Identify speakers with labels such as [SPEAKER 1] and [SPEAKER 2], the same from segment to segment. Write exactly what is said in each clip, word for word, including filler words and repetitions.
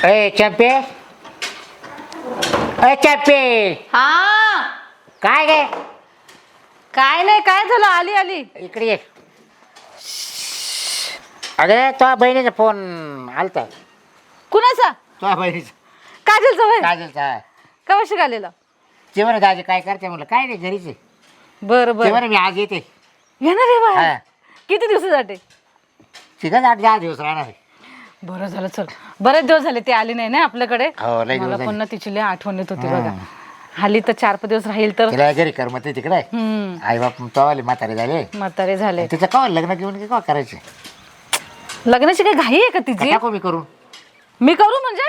[SPEAKER 1] ए चंपे ए चंपे
[SPEAKER 2] हा
[SPEAKER 1] काय गे
[SPEAKER 2] काय नाही, काय झालं? आली आली
[SPEAKER 1] इकडे ये. अगं तुझ्या बहिणीचा फोन आलता.
[SPEAKER 2] कुणाचा?
[SPEAKER 1] तुझ्या बहिणीचा
[SPEAKER 2] काजलचा होय?
[SPEAKER 1] काजलचा.
[SPEAKER 2] का वर्षी आलेला?
[SPEAKER 1] ते बरं दाजी काय करते म्हणलं काय नाही घरीच आहे.
[SPEAKER 2] बरं
[SPEAKER 1] ते
[SPEAKER 2] बरं
[SPEAKER 1] बरं मी आज येते.
[SPEAKER 2] येणार आहे बाहेर?
[SPEAKER 1] हा.
[SPEAKER 2] किती दिवसासाठी?
[SPEAKER 1] तिघच आठ दहा दिवस राहणार आहे.
[SPEAKER 2] बरं झालं, चल. बरेच दिवस झाले ती आली नाही ना आपल्याकडे.
[SPEAKER 1] हो, लय दिवस
[SPEAKER 2] मला
[SPEAKER 1] झाले.
[SPEAKER 2] पण ना तिची लय आठवण येत होती
[SPEAKER 1] हा.
[SPEAKER 2] बघा. आली तर चार पाच दिवस राहील तर.
[SPEAKER 1] तिला घरी करमत तिकडे
[SPEAKER 2] हम्म
[SPEAKER 1] आई बाप तवाले म्हातारे झाले.
[SPEAKER 2] म्हातारे झाले.
[SPEAKER 1] तिचं कवा लग्न घेऊन की कवा करायचे?
[SPEAKER 2] लग्नाची काही घाई आहे का तिची?
[SPEAKER 1] टाकू मी करून
[SPEAKER 2] मी करू म्हणजे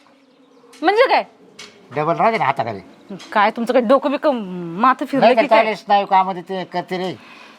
[SPEAKER 2] म्हणजे काय?
[SPEAKER 1] डबल राहते ना हाताखाली.
[SPEAKER 2] काय तुमचं काय डोकं बिकं माथं फिरलं
[SPEAKER 1] नाही
[SPEAKER 2] की
[SPEAKER 1] तर
[SPEAKER 2] काय?
[SPEAKER 1] चालेल स्नायू कामध्ये ते करते रे.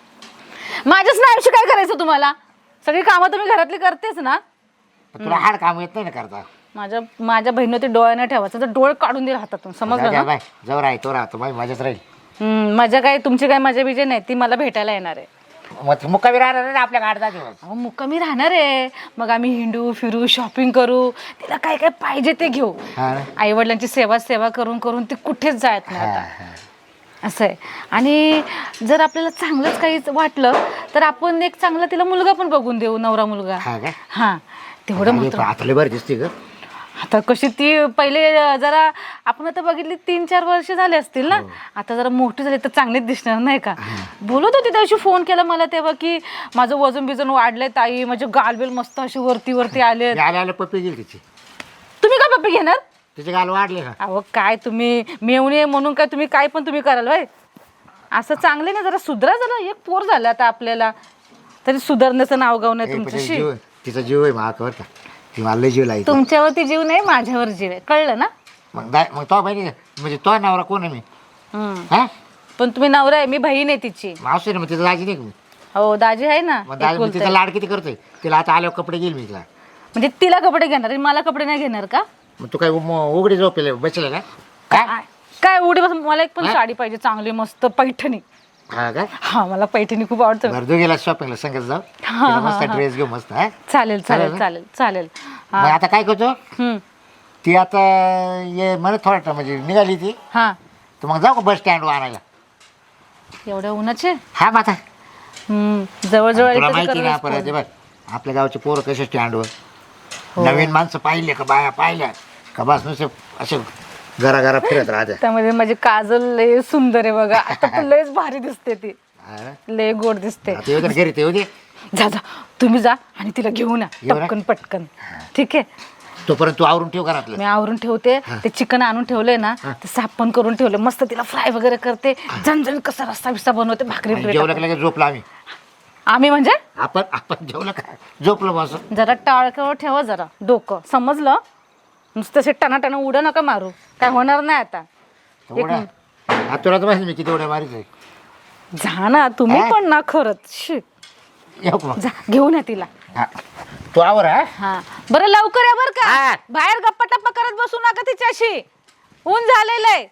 [SPEAKER 2] माझ्याच ना आयुष्य काय करायचं तुम्हाला? सगळी कामं तुम्ही घरातली करतेच ना.
[SPEAKER 1] पण तुला हाड काम येत नाही ना करता.
[SPEAKER 2] माझ्या माझ्या बहिणीने ते डोळ्याने ठेवायचं तर डोळे काढून दिले हातातून, समजलं ना?
[SPEAKER 1] बाय जवळ आहे तो राहतो बाई माझ्याच राहील.
[SPEAKER 2] हम्म, माझ्या काय तुमची काय माझ्या बिजे नाही, ती मला भेटायला येणार आहे.
[SPEAKER 1] मग मुक्कामी राहणार ना आपल्या आठ दहा दिवस.
[SPEAKER 2] अहो मुक्कामी राहणार आहे, मग आम्ही हिंडू फिरू शॉपिंग करू, तिला काय काय पाहिजे ते घेऊ.
[SPEAKER 1] हा ना?
[SPEAKER 2] आई वडिलांची सेवा सेवा करून करून ती कुठेच जात नाही
[SPEAKER 1] हा,
[SPEAKER 2] आता.
[SPEAKER 1] हा.
[SPEAKER 2] असं आहे. आणि जर आपल्याला चांगलंच काही वाटलं तर आपण एक चांगला तिला मुलगा पण बघून देऊ, नवरा मुलगा.
[SPEAKER 1] हा का?
[SPEAKER 2] हा तेवढं
[SPEAKER 1] अरे,
[SPEAKER 2] मात्र.
[SPEAKER 1] पण आता लय बरं दिसते ग.
[SPEAKER 2] आता कशी ती पहिले जरा आपण आता बघितली तीन चार वर्ष झाले असतील ना, आता जरा मोठी झाली तर चांगलीच दिसणार नाही का? बोलत होती त्याशी, फोन केला मला तेव्हा की माझं वजन बिजन वाढलंय ताई, माझे गालबेल मस्त अशी वरती वरती आले.
[SPEAKER 1] आले आले पप्पी गेली तिची.
[SPEAKER 2] तुम्ही का पप्पी घेणार?
[SPEAKER 1] तिचे गाल वाढले ना.
[SPEAKER 2] अहो काय तुम्ही मेवणे म्हणून काय तुम्ही काय पण तुम्ही कराल बाय. असं चांगले ना, जरा सुधरा, जरा एक पोर झालं आता आपल्याला तरी सुधारण्याचं नाव गाव नाही
[SPEAKER 1] ए, पण तिचा
[SPEAKER 2] तुमच्याशी.
[SPEAKER 1] जीव तिचा जीव आहे महाकवर का. ती मला लय जीव लागली.
[SPEAKER 2] तुमच्यावरती जीव नाही, माझ्यावर जीव आहे, कळलं ना?
[SPEAKER 1] मग दाय मग तो बहिणी म्हणजे तो नवरा कोण आहे मी?
[SPEAKER 2] हम्म.
[SPEAKER 1] हा
[SPEAKER 2] पण तुम्ही नवरा आहे, मी बहीण आहे तिची.
[SPEAKER 1] मावशी ना मग तिचं दाजी नाही का मी?
[SPEAKER 2] हो दाजी आहे ना.
[SPEAKER 1] मग दाजी मग
[SPEAKER 2] एकुलती.
[SPEAKER 1] तिचा लाड किती करतोय. तिला आता आल्यावर कपडे घेईल मी तिला.
[SPEAKER 2] म्हणजे तिला कपडे घेणार आणि मला कपडे नाही घेणार का?
[SPEAKER 1] मग तू काय उम- उघडी झोपेल बसले का काय?
[SPEAKER 2] काय काय उडी बस. मला एक पण
[SPEAKER 1] हा?
[SPEAKER 2] साडी पाहिजे चांगली मस्त पैठणी.
[SPEAKER 1] हा का?
[SPEAKER 2] हा मला पैठणी खूप आवडतं.
[SPEAKER 1] भरदू गेला शॉपिंगला संगत जाऊ.
[SPEAKER 2] हा,
[SPEAKER 1] तिला
[SPEAKER 2] हा,
[SPEAKER 1] मस्त
[SPEAKER 2] हा.
[SPEAKER 1] ड्रेस घेऊ मस्त. हा
[SPEAKER 2] चालेल
[SPEAKER 1] चालेल
[SPEAKER 2] चालेल
[SPEAKER 1] ना?
[SPEAKER 2] चालेल चालेल.
[SPEAKER 1] मग
[SPEAKER 2] हा
[SPEAKER 1] आता काय करतो
[SPEAKER 2] हम्म.
[SPEAKER 1] ती आता ये मला थोडा म्हणजे निघाली ती
[SPEAKER 2] हा
[SPEAKER 1] तर मग जाऊ का बस स्टँडवर आणायला?
[SPEAKER 2] एवढ्या उन्हाचे.
[SPEAKER 1] हा मग आता
[SPEAKER 2] हम्म जवळजवळ
[SPEAKER 1] तुला
[SPEAKER 2] इथं तर
[SPEAKER 1] माहिती ना
[SPEAKER 2] करायलाच
[SPEAKER 1] परत
[SPEAKER 2] फोन.
[SPEAKER 1] बघ आपल्या गावचे पोरं कसे स्टँडवर
[SPEAKER 2] हो.
[SPEAKER 1] नवीन माणसं पाहिले का बाया पाहिल्या का बस नुसते असे घरा घरा फिरत राहते.
[SPEAKER 2] त्यामध्ये माझी काजल लय सुंदर आहे बघा. आता तर लयच भारी दिसते ती,
[SPEAKER 1] हा ना?
[SPEAKER 2] लय गोड दिसते.
[SPEAKER 1] आता येऊ दे ना घरी ते येऊ दे.
[SPEAKER 2] जा जा तुम्ही जा आणि तिला घेऊन या
[SPEAKER 1] येऊ ना?
[SPEAKER 2] पटकन पटकन. ठीक आहे,
[SPEAKER 1] तोपर्यंत तू आवरून ठेव घरातलं.
[SPEAKER 2] मी आवरून ठेवते. ते चिकन आणून ठेवलंय ना, ते साफ पण करून ठेवले मस्त. तिला फ्राय वगैरे करते, झणझण कसा रस्सा बिस्सा बनवते, भाकरी
[SPEAKER 1] आणि
[SPEAKER 2] बिकरी
[SPEAKER 1] जेवलं
[SPEAKER 2] टाकून.
[SPEAKER 1] की लगेच झोपला आम्ही.
[SPEAKER 2] आम्ही म्हणजे
[SPEAKER 1] आपण आपण जेवलं का झोपलो बस.
[SPEAKER 2] जरा टाळक्यावर ठेवा जरा डोकं, समजलं? नुसतं असे टनाटना उड्या नका मारू, काय होणार नाही आता.
[SPEAKER 1] उड्या हा तुला तर माहिती मी किती उड्या मारायचंय.
[SPEAKER 2] जा ना तुम्ही
[SPEAKER 1] हा?
[SPEAKER 2] पण ना खरंच. शी.
[SPEAKER 1] येऊ का मग?
[SPEAKER 2] जा घेऊन या तिला.
[SPEAKER 1] हा तू आवर. हा
[SPEAKER 2] हा बरं लवकर या बरं
[SPEAKER 1] हा.
[SPEAKER 2] का. बाहेर गप्पा टप्पा करत बसू नका तिच्याशी, ऊन झालेलं आहे.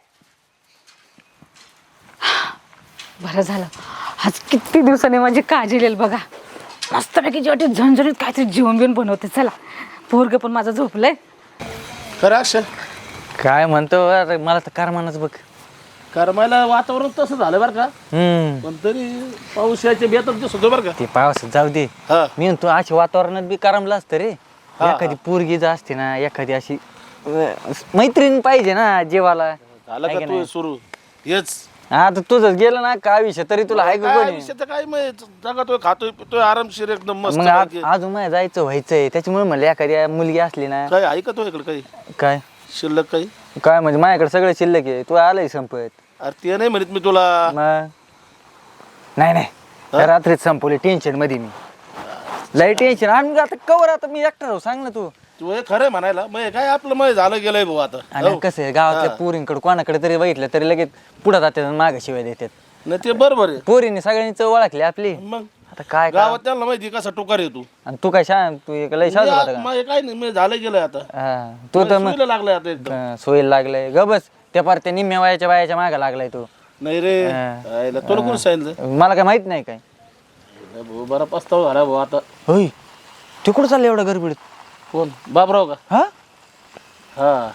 [SPEAKER 2] बरं झालं आज किती दिवसांनी माझी काळजी येईल बघा. मस्तपैकी जेवढी झणझणीत काहीतरी जेवण बिवण बनवते. चला पोरग पण माझं झोपलंय.
[SPEAKER 3] खरं अक्षर
[SPEAKER 4] काय म्हणतो अरे मला तर कारमानच बघ.
[SPEAKER 3] करमायला वातावरण तसं झालं बरं का,
[SPEAKER 4] हम्म
[SPEAKER 3] पण तरी पाऊस यायचे बेतच दिसत होतं बरं का.
[SPEAKER 4] ते पावसात जाऊ दे.
[SPEAKER 3] हा
[SPEAKER 4] मी म्हणतो अशा वातावरणात बी करमलं असतं रे.
[SPEAKER 3] हा,
[SPEAKER 4] एखादी पोरगी जर असते ना, एखादी अशी अं, मैत्रीण पाहिजे ना जेवाला.
[SPEAKER 3] झालं
[SPEAKER 4] आहे
[SPEAKER 3] का
[SPEAKER 4] की
[SPEAKER 3] तू
[SPEAKER 4] नाही?
[SPEAKER 3] सुरू हेच
[SPEAKER 4] आता तुझंच गेलं ना का विषय तरी तुला आहे का
[SPEAKER 3] काय
[SPEAKER 4] कोणी?
[SPEAKER 3] विषय तर काय मग जगातोय खातोय पितोय आरामशीर एकदम मस्त
[SPEAKER 4] मग आ-
[SPEAKER 3] पैकी.
[SPEAKER 4] अजून माझ्या जायचं व्हायचंय, त्याच्यामुळे म्हणलं एखादी मुलगी असली ना.
[SPEAKER 3] काय ऐकतो इकडे काही
[SPEAKER 4] काय
[SPEAKER 3] शिल्लक काही?
[SPEAKER 4] काय म्हणजे माझ्याकडे सगळं शिल्लक आहे, तू आलंय संपत.
[SPEAKER 3] अरे ते नाही म्हणत मी तुला.
[SPEAKER 4] मग नाही नाही त्या रात्रीच संपवले टेन्शन मध्ये मी. लय टेन्शन. आणि आता कवर आता मी एकटा राहू सांग ना तू.
[SPEAKER 3] तू हे खरंय म्हणायला मग हे काय आपलं मग झालं गेलंय भाऊ आता.
[SPEAKER 4] आणि
[SPEAKER 3] हो.
[SPEAKER 4] कसं आहे गावातल्या पोरींकडे कोणाकडे तरी बघितलं तरी लगेच पुढे जातात माग शिवाय देतात.
[SPEAKER 3] नाही ते बरोबर आहे.
[SPEAKER 4] पोरीने सगळ्यांनी चव ओळखली आपली.
[SPEAKER 3] मग
[SPEAKER 4] आता काय
[SPEAKER 3] गावात त्यांना माहिती कसा टोकार आहे तू.
[SPEAKER 4] आणि तू काय शांत तू एक लय शांत होता का?
[SPEAKER 3] मग हे काय नाही मग झालं गेलंय आता.
[SPEAKER 4] हा, तू तर मग
[SPEAKER 3] सुईला लागलाय आता एकदम.
[SPEAKER 4] अं, सोयीला लागलाय ग बस. त्या पार त्या निम्म्या वयाच्या बायाच्या मागे लागलाय तू.
[SPEAKER 3] नाही रे
[SPEAKER 4] हा.
[SPEAKER 3] आईला तुला कोण सांगितलं?
[SPEAKER 4] मला काय माहित नाही काय.
[SPEAKER 3] भाऊ बरा पस्तावा झाला भाऊ आता.
[SPEAKER 4] होय तू कुठं चाललं एवढं गडबडीत?
[SPEAKER 3] कोण बाबराव का?
[SPEAKER 4] हा
[SPEAKER 3] हा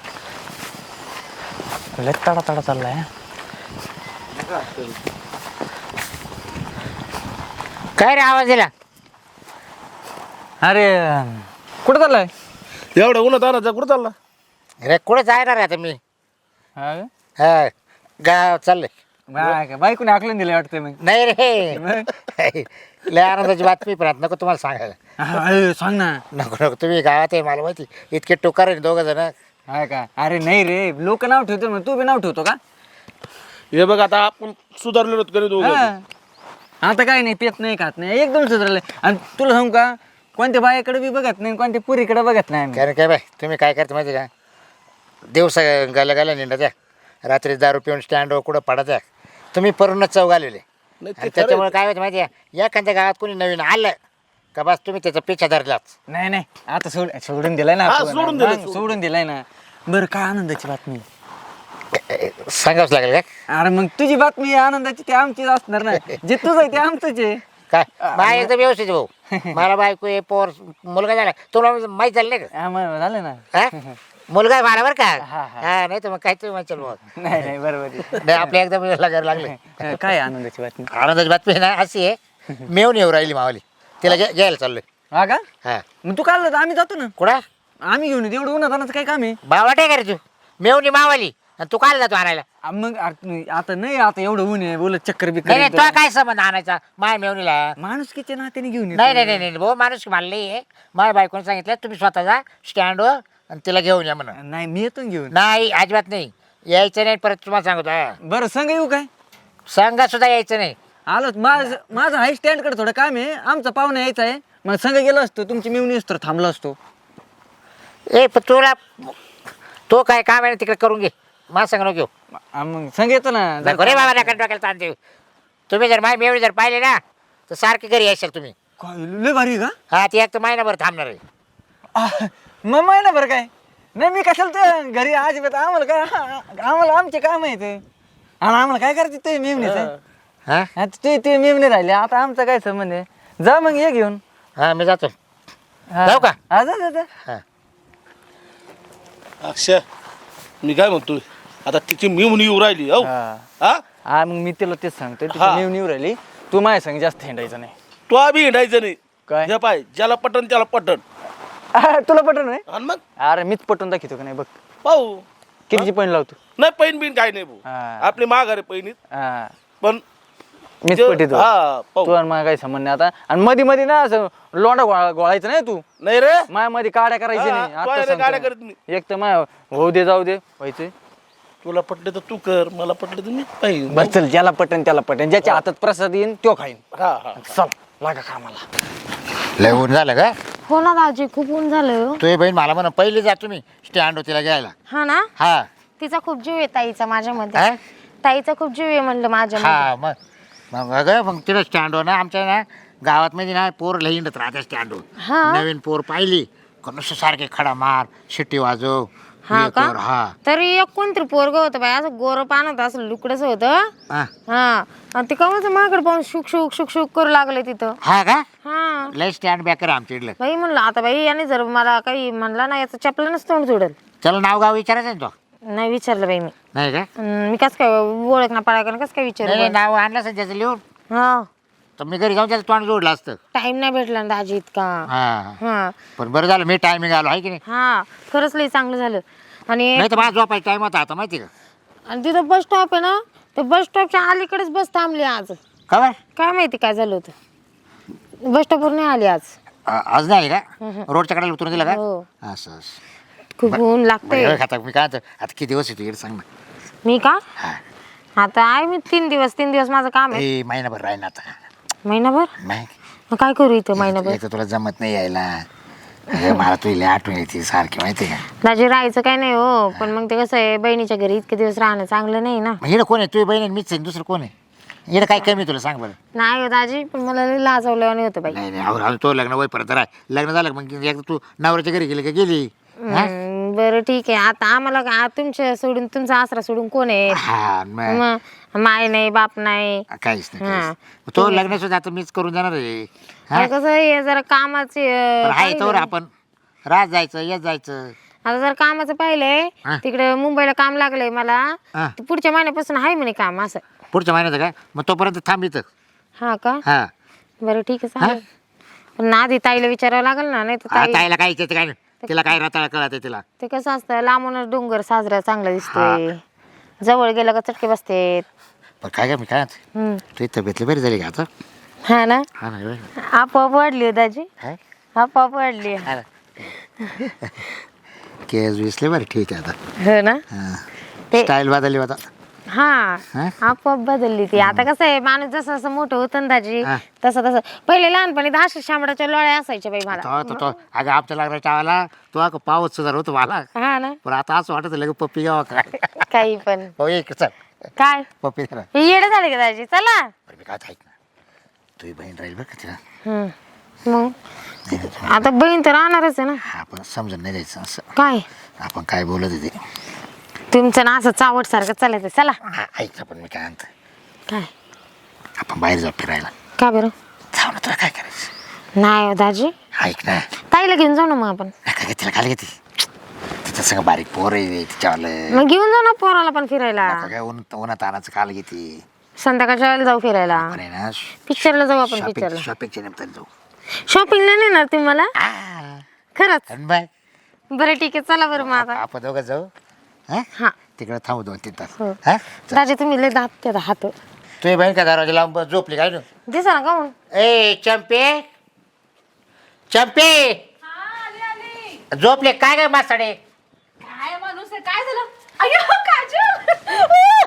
[SPEAKER 4] लय तडा तडा चाललाय हा.
[SPEAKER 1] काय रे आवाज दिला?
[SPEAKER 4] अरे कुठं चाललाय?
[SPEAKER 3] एवढं उन्हात आणायचं कुठं चालला?
[SPEAKER 1] अरे कुठे जाणार आहे आता मी?
[SPEAKER 4] हा का?
[SPEAKER 1] हा गाव चाललंय.
[SPEAKER 4] बाय का? बायकोने आकलून दिलं वाटतं मग.
[SPEAKER 1] नाही रे लय आनंदाची बातमी पण आता नको तुम्हाला सांगायला.
[SPEAKER 4] हा, अरे, सांग ना.
[SPEAKER 1] नको नको तुम्ही गावात आहे मला माहिती इतके टोकार आहे दोघं जण.
[SPEAKER 4] हाय का? अरे नाही रे, लोक नाव ठेवतो मग तू बी नाव ठेवतो का?
[SPEAKER 3] हे बघ आता आपण सुधारलेलो कधी दोघं.
[SPEAKER 4] हा. आता काय नाही, पेत नाही खात नाही, एकदम सुधारले. आणि तुला सांगू का, कोणत्या बायाकडे बी बघत नाही, कोणत्या पुरीकडे बघत नाही आम्ही.
[SPEAKER 1] कारण काय बाय तुम्ही काय करता माहिती का, दिवसा गाला गाला निंडा द्या, रात्री दारू पिऊन स्टँडवर कुठं पडा द्या, तुम्ही परूनच चव घालवले.
[SPEAKER 3] नाही ते
[SPEAKER 1] आणि
[SPEAKER 3] खरं
[SPEAKER 1] त्याच्यामुळे
[SPEAKER 3] आहे.
[SPEAKER 1] काय होतं माहिती आहे, एखाद्या गावात कोणी नवीन आलं का बस तुम्ही त्याचा पिछा धरलाच.
[SPEAKER 4] नाही नाही, आता सोड सोडून दिलाय ना
[SPEAKER 3] हा,
[SPEAKER 4] आपण.
[SPEAKER 3] सोडून दिलंय,
[SPEAKER 4] मग
[SPEAKER 3] सोडून.
[SPEAKER 4] सोडून दिलाय ना. बरं, काय आनंदाची बातमी?
[SPEAKER 1] सांगावंच लागेल का
[SPEAKER 4] अरे मग तुझी बातमी आनंदाची ती आमचीच असणार ना. जे तुझं आहे ते आमचंच आहे.
[SPEAKER 1] काय बाय एकदम व्यवस्थित भाऊ मला बायको आहे, पोर मुलगा झाला तुम्हाला माहीत झालं नाही का?
[SPEAKER 4] हा, मग झालं ना.
[SPEAKER 1] हा? मुलगा आहे मला बरं का?
[SPEAKER 4] हा, हा.
[SPEAKER 1] हा नाही तर मग काय तुम्ही म्हणशाल मग.
[SPEAKER 4] नाही नाही, बरोबर आहे.
[SPEAKER 1] नाही आपल्या एकदम लागायला लागले.
[SPEAKER 4] हा, काय आनंदाची बातमी?
[SPEAKER 1] आनंदाची बातमी आहे ना अशी आहे, मेवून येऊ राहिली मावली, तिला घ्या- घ्यायला चाललोय.
[SPEAKER 4] हा का?
[SPEAKER 1] हा
[SPEAKER 4] मग तू काल आम्ही जातो ना.
[SPEAKER 1] कुठं
[SPEAKER 4] आम्ही घेऊन येतो, एवढं उन्हात आणायचं काय काम आहे?
[SPEAKER 1] बावट आहे का रे तू? मेवणी मावाली आणि तू काय जातो आणायला?
[SPEAKER 4] आ, मग अरे, आता नाही, आता एवढं ऊन आहे, बोलत चक्कर
[SPEAKER 1] नाही नाही
[SPEAKER 4] बिक्कर
[SPEAKER 1] तुला काय संबंध आणायचा माय मेवणीला?
[SPEAKER 4] माणूस किती नात्याने घेऊन येतो.
[SPEAKER 1] नाही नाही नाही नाही भाऊ माणूस मला नाही आहे. माझ्या बायकोने सांगितलं तुम्ही स्वतः जा स्टँडवर आणि तिला घेऊन या म्हणून.
[SPEAKER 4] नाही, मी येतो ना घेऊन.
[SPEAKER 1] नाही अजिबात नाही यायचं नाही परत तुम्हाला सांगतो. हा.
[SPEAKER 4] बरं, सांग येऊ काय?
[SPEAKER 1] संघ सुद्धा यायचं नाही.
[SPEAKER 4] आलो माझं माझं हाय स्टँडकडे थोडं काम आहे, आमचा पाहुणा यायचा आहे. मग संग गेलो असतो, तुमची मिळून तर थांबलो असतो.
[SPEAKER 1] ए पण तुला तो काय काम आहे ना तिकडे करून घे, मला सांग नको घेऊ.
[SPEAKER 4] आ, मग संग येतो ना.
[SPEAKER 1] नको रे बाबा नका डोक्याला ताण देऊ. तुम्ही जर माय मेवणी जर पाहिले ना तर सारखे घरी यायचं तुम्ही.
[SPEAKER 4] काय, लय भारी आहे
[SPEAKER 1] हा ती एक तर महिनाभर थांबणार आहे.
[SPEAKER 4] का? आ, मग महिना बरं काय? नाही, मी कशाला तर घरी आज आम्हाला काय, आम्हाला आमचे काम आहे ते. आणि आम्हाला काय करायचं ते मेमणीच आहे.
[SPEAKER 1] हा
[SPEAKER 4] आता ते ते मेमणे राहिले, आता आमचा काय संबंध आहे? जा मग, ये घेऊन.
[SPEAKER 1] हा मी जातो.
[SPEAKER 4] हा.
[SPEAKER 1] जाऊ का?
[SPEAKER 4] हा, जा जा जा.
[SPEAKER 1] हा
[SPEAKER 3] अक्षय मी काय म्हणतोय, आता तिची मिळून येऊ राहिली हो.
[SPEAKER 4] हा.
[SPEAKER 3] हा
[SPEAKER 4] हा, मग मी तिला तेच सांगतोय,
[SPEAKER 3] हा.
[SPEAKER 4] तुझी मेमणी राहिली, तू माझ्या संग जास्त हिंडायचं नाही.
[SPEAKER 3] तो आम्ही हिंडायचं नाही.
[SPEAKER 4] काय?
[SPEAKER 3] हे पाय ज्याला पटन त्याला पटन.
[SPEAKER 4] आ, तुला पटन नाही?
[SPEAKER 3] आणि मग
[SPEAKER 4] अरे मीच पटवून दाखवतो का नाही, बघ
[SPEAKER 3] पाहू.
[SPEAKER 4] कितीची पण लावतो.
[SPEAKER 3] नाही पैन बिन काय नाही भाऊ,
[SPEAKER 4] हा.
[SPEAKER 3] आपली माघारी पैनीत
[SPEAKER 4] हा,
[SPEAKER 3] पण
[SPEAKER 4] मीच
[SPEAKER 3] जे-
[SPEAKER 4] पटितो.
[SPEAKER 3] हा, पाहू.
[SPEAKER 4] तू आणि मला काही संबंध नाही आता. आणि मध्ये मध्ये ना असं लोंडा गोळा गोळायचं नाही तू.
[SPEAKER 3] नाही रे
[SPEAKER 4] माया मध्ये काड्या करायची
[SPEAKER 3] हा,
[SPEAKER 4] नाही.
[SPEAKER 3] तू
[SPEAKER 4] आता
[SPEAKER 3] आहे रे,
[SPEAKER 4] सांगतो.
[SPEAKER 3] काड्या करत नाही.
[SPEAKER 4] एक तर माय होऊ दे जाऊ दे व्हायचे.
[SPEAKER 3] तुला पटले तर तू कर, मला पटले तर मी पाहिजे.
[SPEAKER 4] बस चल, ज्याला पटन त्याला पटन, ज्याच्या हातात प्रसाद येईन तो खाईन.
[SPEAKER 3] हा हा
[SPEAKER 4] चल लागा कामाला.
[SPEAKER 1] लय ऊन झालं का?
[SPEAKER 2] हो ना दाजी, खूप ऊन झालं.
[SPEAKER 1] तुझी बहीण मला म्हणा पहिली जा तुम्ही स्टँड तिला घ्यायला.
[SPEAKER 2] हा ना,
[SPEAKER 1] हा
[SPEAKER 2] तिचा खूप जीव आहे ताईचा माझ्यामध्ये.
[SPEAKER 1] हा?
[SPEAKER 2] ताईचा खूप जीव आहे म्हणलं माझ्या.
[SPEAKER 1] हा मग मग अगं मग तिला स्टँडवर ना आमच्या ना गावात मध्ये ना पोर लई हिंडत राहते स्टँडवर.
[SPEAKER 2] हा.
[SPEAKER 1] नवीन पोर पाहिली का नुसतं सारखे खडा मार शिट्टी वाजव
[SPEAKER 2] हा
[SPEAKER 1] हे
[SPEAKER 2] का?
[SPEAKER 1] कर, हा
[SPEAKER 2] तरी एक कोणतरी पोरग होतं बाई, असं गोरं पानत असं लुकडच होतं.
[SPEAKER 1] हा.
[SPEAKER 2] हा, आणि ते कवच माझ्याकडे पाहून शुक शुक शुक शुक करू लागले तिथं.
[SPEAKER 1] हा का
[SPEAKER 2] हा
[SPEAKER 1] लय स्टँड बॅकर आमच्या इथलं.
[SPEAKER 2] बाई म्हणलं आता बाई याने जर मला काही म्हणला ना, याचं चपलानच तोंड जोडेल.
[SPEAKER 1] त्याला नाव गाव विचारायचं ना तो?
[SPEAKER 2] नाही विचारलं बाई मी.
[SPEAKER 1] नाही का?
[SPEAKER 2] अन मी कस काय ओळख ना पाळा कस काय
[SPEAKER 1] नाही नाही,
[SPEAKER 2] विचार.
[SPEAKER 1] नाव आणलं असं त्याचं लिहून
[SPEAKER 2] हा,
[SPEAKER 1] तर मी घरी जाऊन त्याचं तोंड जोडलं असतं.
[SPEAKER 2] टाइम नाही भेटला ना दाजी इतका.
[SPEAKER 1] हा
[SPEAKER 2] हा
[SPEAKER 1] पण बरं झालं मी टायमिंग आलो आहे की नाही,
[SPEAKER 2] हा, खरंच लई चांगलं झालं. आणि
[SPEAKER 1] नाही तर माझा झोपायचा टाइम होता आता माहिती का?
[SPEAKER 2] आणि तिथं बस स्टॉप आहे ना, त्या बस स्टॉपच्या अलीकडेच बस थांबली आज.
[SPEAKER 1] खबर
[SPEAKER 2] काय माहिती काय झालं होतं, बस स्टॉपवर नाही आली आज.
[SPEAKER 1] आज नाही आली का? रोडच्या कडेला उतरून दिलं का?
[SPEAKER 2] हो.
[SPEAKER 1] असं असं
[SPEAKER 2] खूप ऊन लागतंय.
[SPEAKER 1] बरं, आता मी काय म्हणतो, आता किती दिवस येतो इकडे सांग ना.
[SPEAKER 2] मी का
[SPEAKER 1] हा
[SPEAKER 2] आता आहे, मी तीन दिवस तीन दिवस माझं काम आहे.
[SPEAKER 1] ए, महिनाभर राहीन आता.
[SPEAKER 2] महिनाभर
[SPEAKER 1] नाही
[SPEAKER 2] मग काय करू इथं महिनाभर?
[SPEAKER 1] एक तर तुला जमत नाही यायला. अगं, मला तुझी लय आठवण येते सारखी माहिती का?
[SPEAKER 2] दाजी राहायचं काय नाही हो, पण मग ते कसं आहे, बहिणीच्या घरी इतके दिवस राहणं चांगलं नाही ना.
[SPEAKER 1] मग इकडे कोण आहे? तुझी बहीण आणि मीच आहे, दुसरं कोण आहे? इकडे काय कमी आहे तुला सांग बरं.
[SPEAKER 2] नाही हो दाजी, पण मला लई लाजवल्यावानी होतं बाई.
[SPEAKER 1] नाही नाही अहो, तो लग्न वय परत राह लग्न झालं का मग एकदा तू नवऱ्याच्या घरी गेली का गेली. हा?
[SPEAKER 2] हम्म, बरं ठीक आहे. आता आम्हाला का तुमच्या सोडून, तुमचा आसरा सोडून कोण आहे?
[SPEAKER 1] हा मग
[SPEAKER 2] मग माय नाही, बाप नाही.
[SPEAKER 1] काहीच नाही
[SPEAKER 2] हा.
[SPEAKER 1] काहीच नाही. तो लग्न सुद्धा आता मीच करून देणार आहे. हा?
[SPEAKER 2] आता कसं आहे, जरा कामाचे
[SPEAKER 1] पण
[SPEAKER 2] अं,
[SPEAKER 1] आहे
[SPEAKER 2] काही
[SPEAKER 1] तोवर
[SPEAKER 2] नाही.
[SPEAKER 1] आपण रात जायचं येत जायचं.
[SPEAKER 5] आता जर कामाचं पाहिलंय
[SPEAKER 1] हा.
[SPEAKER 5] तिकडे मुंबईला काम लागलंय मला
[SPEAKER 1] हा.
[SPEAKER 5] ते पुढच्या महिन्यापासून आहे म्हणे काम असं.
[SPEAKER 1] पुढच्या महिन्यात काय मग तोपर्यंत थांब इथं.
[SPEAKER 5] हा का
[SPEAKER 1] हा
[SPEAKER 5] बरं ठीक आहे चालेल. पण आधी ताईला विचारावं लागेल ना, नाही तर
[SPEAKER 1] हा,
[SPEAKER 5] ताई
[SPEAKER 1] ताईला काय इच्छा काय नाही. तिला काय रताळा कळत तिला.
[SPEAKER 5] ते कसं असतं लांबूनच डोंगर साजरा चांगला दिसतोय, जवळ गेलं का चटके बसते.
[SPEAKER 1] पण काय काय मी काय
[SPEAKER 5] हम्म.
[SPEAKER 1] तुझी तब्येतली बरी झाली का आता?
[SPEAKER 5] हा ना
[SPEAKER 1] हा ना होय.
[SPEAKER 5] आपोआप वाढली हो दाजी,
[SPEAKER 1] काय?
[SPEAKER 5] आपोआप वाढली.
[SPEAKER 1] हा ना. केस विसले बरं ठीक आहे आता.
[SPEAKER 5] हो ना ते
[SPEAKER 1] स्टाईल बदलली होता.
[SPEAKER 5] हा
[SPEAKER 1] हा?
[SPEAKER 5] आपोआप बदलली ती. आता कसं आहे माणूस जसं जसं मोठं होतं ना दाजी
[SPEAKER 1] हा.
[SPEAKER 5] तसं तसं. पहिले लहानपणी तर अशा शांबडाच्या लोळ्या असायच्या बाई मला.
[SPEAKER 1] तो तो तो अगं आमच्या लागल्या टाळाला तो अगं पावत सुधार होतो मला.
[SPEAKER 5] हा ना
[SPEAKER 1] पण आता असं वाटत लगे पप्पी घ्यावा काय.
[SPEAKER 5] काही पण
[SPEAKER 1] हो एक चल
[SPEAKER 5] काय
[SPEAKER 1] पप्पी दे ना.
[SPEAKER 5] हे येडे झाले का दाजी चला.
[SPEAKER 1] बरं मी काय ऐक ना तुझी बहीण राहील बरं का तिला.
[SPEAKER 5] हम्म. मग आता बहीण तर राहणारच आहे ना.
[SPEAKER 1] हा आपण समजून नाही द्यायचं असं.
[SPEAKER 5] काय
[SPEAKER 1] आपण काय बोलत होते.
[SPEAKER 5] तुमचं ना असं चावट सारखं चालायचं. चला
[SPEAKER 1] हा ऐक ना पण मी काय म्हणतो
[SPEAKER 5] काय
[SPEAKER 1] आपण बाहेर जाऊ फिरायला.
[SPEAKER 5] का बरं
[SPEAKER 1] जाऊ ना तुला काय करायचं.
[SPEAKER 5] नाही हो दाजी
[SPEAKER 1] ऐक ना
[SPEAKER 5] ताईला घेऊन जाऊ ना मग आपण.
[SPEAKER 1] काय तिला काय घेते तिचं सगळं बारीक पोर आहे तिच्यावालं.
[SPEAKER 5] मग घेऊन जाऊ ना पोराला पण फिरायला.
[SPEAKER 1] आता काय ऊन उन्हात तानाचं काल घेते.
[SPEAKER 5] संध्याकाळच्या वेळेला जाऊ फिरायला.
[SPEAKER 1] आपण आहे ना
[SPEAKER 5] पिक्चरला जाऊ आपण
[SPEAKER 1] शॉपिंग
[SPEAKER 5] पिक्चरला.
[SPEAKER 1] शॉपिंगच्या निमित्ताने जाऊ.
[SPEAKER 5] शॉपिंगला नेणार तुम्ही मला
[SPEAKER 1] आ,
[SPEAKER 5] खरंच.
[SPEAKER 1] आणि बाय
[SPEAKER 5] बरं ठीक आहे चला बरं मग आता.
[SPEAKER 1] आपण दोघं जाऊ. हा
[SPEAKER 5] हा
[SPEAKER 1] तिकडे थांबू दोन तीन तास.
[SPEAKER 5] हो.
[SPEAKER 1] हा
[SPEAKER 5] दाजी तुम्ही लय दात त्या हात
[SPEAKER 1] तुझी बहीण का दरवाजा लावून बस झोपली काय ना.
[SPEAKER 5] दिसा ना काहून.
[SPEAKER 1] ए चंपे चंपे झोपले काय काय मासाडे.
[SPEAKER 2] काय माणूस आहे, काय झालं? अय्यो, काजल!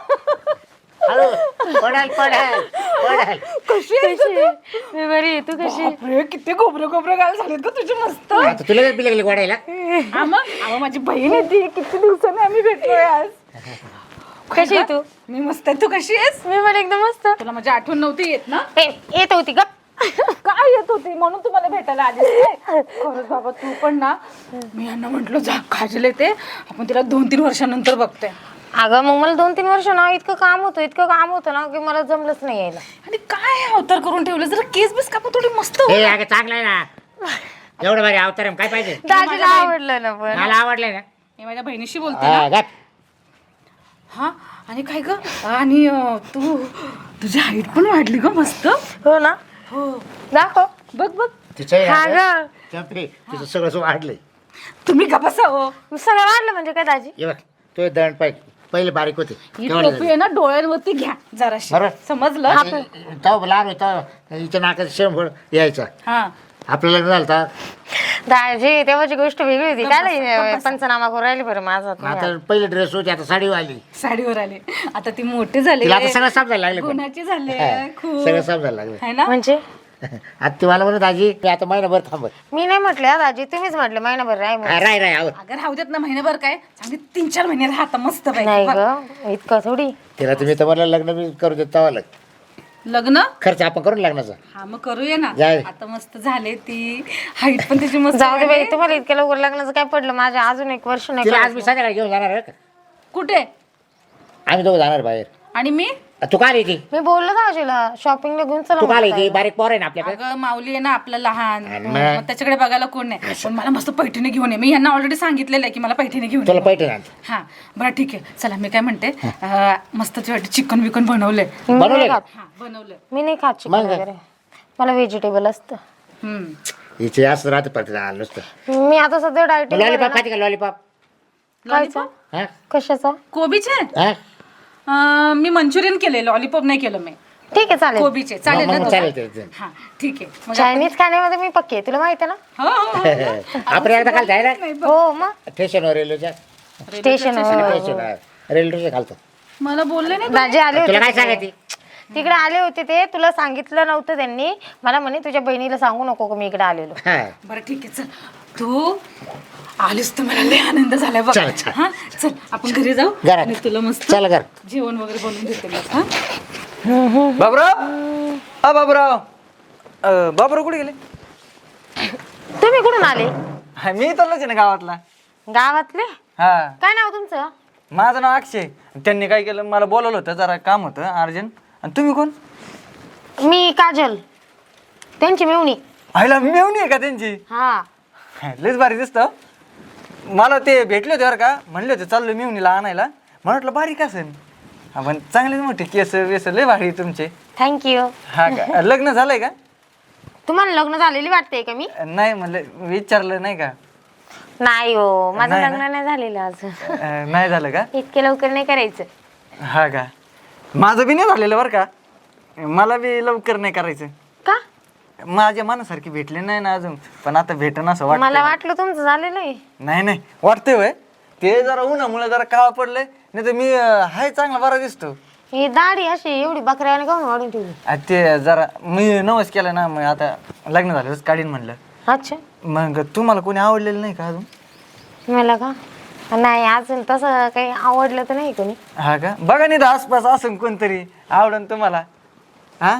[SPEAKER 1] हळू पडाल पडाल पडाल.
[SPEAKER 2] कशी आहेस
[SPEAKER 5] कशी मी बरी आहे, तू कशी.
[SPEAKER 2] बापरे, किती गोबरे गोबरे गाल झालेत का तुझे मस्त.
[SPEAKER 1] आता तुला काय बिलगली वाढायला.
[SPEAKER 2] हा मग अहो, माझी बहीण आहे ती. किती दिवसांनी आम्ही भेटलोय आज.
[SPEAKER 5] कशी आहे तू.
[SPEAKER 2] मी मस्त आहे, तू कशी आहेस?
[SPEAKER 5] मी पण एकदम मस्त.
[SPEAKER 2] तुला माझी आठवण नव्हती येत ना?
[SPEAKER 5] ए, येत होती ग.
[SPEAKER 2] काय येत होती म्हणून तुम्हाला भेटायला आली काय? खरंच बाबा तू पण ना. मी यांना म्हंटल जा काजल येते आपण तिला दोन तीन वर्षानंतर बघतोय.
[SPEAKER 5] अगं मग मला दोन तीन वर्ष ना इतकं काम होतं इतकं काम होतं ना की मला जमलंच नाही यायला.
[SPEAKER 2] आणि काय अवतार करून ठेवलं, जरा केस बिस कापून थोडी मस्त हो.
[SPEAKER 1] ए अगं चांगलं आहे ना एवढं भारी अवतार आहे, काय पाहिजे.
[SPEAKER 5] दाजीला आवडलं ना पण.
[SPEAKER 1] मला आवडलंय ना.
[SPEAKER 2] मी माझ्या बहिणीशी बोलते ना.
[SPEAKER 1] हा, गप.
[SPEAKER 2] हा आणि काय ग आणि अं, तू तुझी हाईट पण वाढली ग मस्त.
[SPEAKER 5] हो ना
[SPEAKER 2] हो
[SPEAKER 5] दाखव.
[SPEAKER 2] बघ बघ
[SPEAKER 1] तिचं
[SPEAKER 5] हा
[SPEAKER 1] आहे
[SPEAKER 5] ग
[SPEAKER 1] ना, चंपे तुझं सगळं सगळं वाढलंय.
[SPEAKER 2] तुम्ही का बसा हो.
[SPEAKER 5] सगळं वाढलं म्हणजे काय दाजी.
[SPEAKER 1] ये बघ तुझे दंड पाय पहिले बारीक होते.
[SPEAKER 2] ही
[SPEAKER 1] केवढे
[SPEAKER 2] टोपी आहे ना डोळ्यांवरती घ्या जराशी.
[SPEAKER 1] बरोबर.
[SPEAKER 2] समजलं.
[SPEAKER 1] झाले? तो लहान होता हिच्या नाकात शेंबळ यायचा.
[SPEAKER 2] हा
[SPEAKER 1] आपलं लग्न झालं होतं.
[SPEAKER 5] दाजी तेव्हाची गोष्ट वेगळी होती. काय पंचनामा करून राहिली बरं माझा.
[SPEAKER 1] आता पहिले ड्रेस होते आता साडी आली.
[SPEAKER 2] साडीवर आले आता ती मोठी झाली.
[SPEAKER 1] तिला आता सगळं समजायला लागले पण.
[SPEAKER 2] गुणाची झाले
[SPEAKER 1] हा,
[SPEAKER 2] खूप
[SPEAKER 1] सगळं समजायला लागले.
[SPEAKER 2] है ना.
[SPEAKER 5] म्हणजे
[SPEAKER 1] आता ती मला म्हणत आजी मी आता महिनाभर थांबत.
[SPEAKER 5] मी नाही म्हटले हा दाजी तुम्हीच म्हटले महिनाभर राय म्हणून.
[SPEAKER 1] हा, राय राय आवर.
[SPEAKER 2] अगर राहू देत ना महिनाभर काय चांगली तीन चार महिने राहता मस्त
[SPEAKER 5] नाही
[SPEAKER 2] पाहिजे.
[SPEAKER 5] ग इतकं थोडी.
[SPEAKER 1] तिला तुम्ही तर मला लग्न मी करू देत तवा लग
[SPEAKER 2] लग्न
[SPEAKER 1] खर्च आपण करून लग्नाचा.
[SPEAKER 2] हा मग करूया ना.
[SPEAKER 1] जाय.
[SPEAKER 2] आता मस्त झाले ती हाईट पण त्याची मस्त
[SPEAKER 5] जाऊ दे बाई
[SPEAKER 2] वाढली.
[SPEAKER 5] तुम्हाला इतक्या लवकर लग्नाचं काय पडलं माझ्या अजून एक वर्ष नाही
[SPEAKER 1] तिला आज मी
[SPEAKER 5] करायचं.
[SPEAKER 1] संध्याकाळी घेऊन जाणार आहे का.
[SPEAKER 2] कुठे
[SPEAKER 1] आम्ही दोघं जाणार बाहेर.
[SPEAKER 2] आणि मी
[SPEAKER 1] तू का आली ती
[SPEAKER 5] मी बोललो दाजीला शॉपिंगला घेऊन चला
[SPEAKER 1] तू का आली
[SPEAKER 5] म्हटलं.
[SPEAKER 1] ती बारीक पोर आहे ना आपल्याकडे.
[SPEAKER 2] अगं माऊली आहे ना आपलं लहान
[SPEAKER 1] आणि
[SPEAKER 2] मग
[SPEAKER 1] मग?
[SPEAKER 2] त्याच्याकडे बघायला कोण नाही. पण मला मस्त पैठणी घेऊन ये. मी यांना ऑलरेडी सांगितलेलं आहे की मला पैठणी घेऊन
[SPEAKER 1] तुला
[SPEAKER 2] ये.
[SPEAKER 1] पैठण आणतो.
[SPEAKER 2] हा बरं ठीक आहे चला मी काय म्हणते अं, मस्त तुझ्यासाठी चिकन विकन बनवलंय.
[SPEAKER 5] मी नाही
[SPEAKER 1] बनवलंय
[SPEAKER 5] खात.
[SPEAKER 2] हा बनवलंय.
[SPEAKER 5] मी नाही खात चिकन
[SPEAKER 1] मग?
[SPEAKER 5] वगैरे. मला व्हेजिटेबल असतं.
[SPEAKER 2] हम्म
[SPEAKER 1] हिचे असं राहते पडते आलं नुसतं.
[SPEAKER 5] मी आता सध्या डायटिंग
[SPEAKER 1] लॉलीपॉप खाते का लॉलीपॉप.
[SPEAKER 5] खायचं
[SPEAKER 1] हा
[SPEAKER 5] कशाचा.
[SPEAKER 2] कोबीचे
[SPEAKER 1] हा
[SPEAKER 2] अं, मी मंचुरियन केले लॉलीपॉप नाही केलं मी.
[SPEAKER 5] ठीक आहे चालेल.
[SPEAKER 2] कोबीचे चालेल
[SPEAKER 1] मग-
[SPEAKER 2] ना
[SPEAKER 1] मग
[SPEAKER 2] दोघं?
[SPEAKER 1] चालेल, चालेल, चालेल.
[SPEAKER 2] हा ठीक आहे मग
[SPEAKER 5] चायनीज खाण्यामध्ये मी पक्की आहे तुला माहिती आहे ना.
[SPEAKER 2] हो, हो, हो.
[SPEAKER 1] आपण एकदा खालतो आहे ना
[SPEAKER 5] हो मग
[SPEAKER 1] स्टेशनवर रेल्वेच्या
[SPEAKER 5] स्टेशन
[SPEAKER 1] स्टेशनवर रेल्वे खालतो.
[SPEAKER 2] मला बोलले नाही
[SPEAKER 5] दाजी आले
[SPEAKER 1] तुला काय
[SPEAKER 5] होते
[SPEAKER 1] सांगायची.
[SPEAKER 5] तिकडे आले होते ते तुला सांगितलं नव्हतं त्यांनी. मला म्हणे तुझ्या बहिणीला सांगू नको का मी इकडे आलेलो.
[SPEAKER 1] हा
[SPEAKER 2] बरं ठीक आहे चल तू आलीस तर मला लय आनंद झालाय बघ.
[SPEAKER 1] चल, चल.
[SPEAKER 2] हा चल आपण घरी जाऊ
[SPEAKER 1] घरात.
[SPEAKER 2] आणि तुला मस्त
[SPEAKER 1] चल घर.
[SPEAKER 2] जेवण वगैरे बनवून देते मग. हा
[SPEAKER 4] बाबराव हा बाबराव अं, बाबराव कुठे गेले.
[SPEAKER 5] तुम्ही कुठून आले.
[SPEAKER 4] हा, मी इथलाच आहे ना गावातला.
[SPEAKER 5] गावातले.
[SPEAKER 4] हा
[SPEAKER 5] काय नाव तुमचं.
[SPEAKER 4] माझं नाव अक्षय. त्यांनी काय केलं मला बोलवलं होतं जरा काम होतं अर्जंट. आणि तुम्ही कोण.
[SPEAKER 5] मी काजल त्यांची मेवणी.
[SPEAKER 4] आईला मेवणी आहे का त्यांची.
[SPEAKER 5] हा
[SPEAKER 4] लयच भारी दिसतं. मला ते भेटले होते बरं का, म्हणले होते चाललो मिवणीला आणायला. म्हटलं बारीक असेल, पण चांगलेच मोठे केस वेस लय भारी तुमचे.
[SPEAKER 5] थँक्यू.
[SPEAKER 4] हा का, लग्न झालंय का?
[SPEAKER 5] तुम्हाला लग्न झालेली वाटते का मी?
[SPEAKER 4] नाही म्हणलं विचारलं नाही का?
[SPEAKER 5] नाही हो, माझं
[SPEAKER 4] नाही ना?
[SPEAKER 5] लग्न नाही झालेलं अजून.
[SPEAKER 4] अं, नाही झालं का?
[SPEAKER 5] इतके लवकर नाही करायचं.
[SPEAKER 4] हा का, माझं बी नाही झालेलं बरं का, मला बी लवकर नाही करायचं.
[SPEAKER 5] का?
[SPEAKER 4] माझ्या मनासारखी भेटले नाही ना अजून, पण आता भेटन असं वाटतं.
[SPEAKER 5] मला वाटलं तुमचं झालेलं आहे.
[SPEAKER 4] नाही नाही वाटतंय होय, ते जरा उन्हामुळे जरा काळा पडलंय, नाही तर मी अं, हाय चांगला बरा दिसतो.
[SPEAKER 5] ही दाढी अशी एवढी बकऱ्याने काऊन वाढून ठेवली?
[SPEAKER 4] आ, ते जरा मी नवस केलं ना, मग आता लग्न झाल्यावरच काढीन म्हणलं.
[SPEAKER 5] अच्छा,
[SPEAKER 4] मग तुम्हाला कोणी आवडलेलं नाही का अजून?
[SPEAKER 5] मला का नाही अजून तसं काही आवडलं तर नाही कोणी.
[SPEAKER 4] हा का, बघा नाही तर आसपास असं कोणतरी आवडन तुम्हाला. हा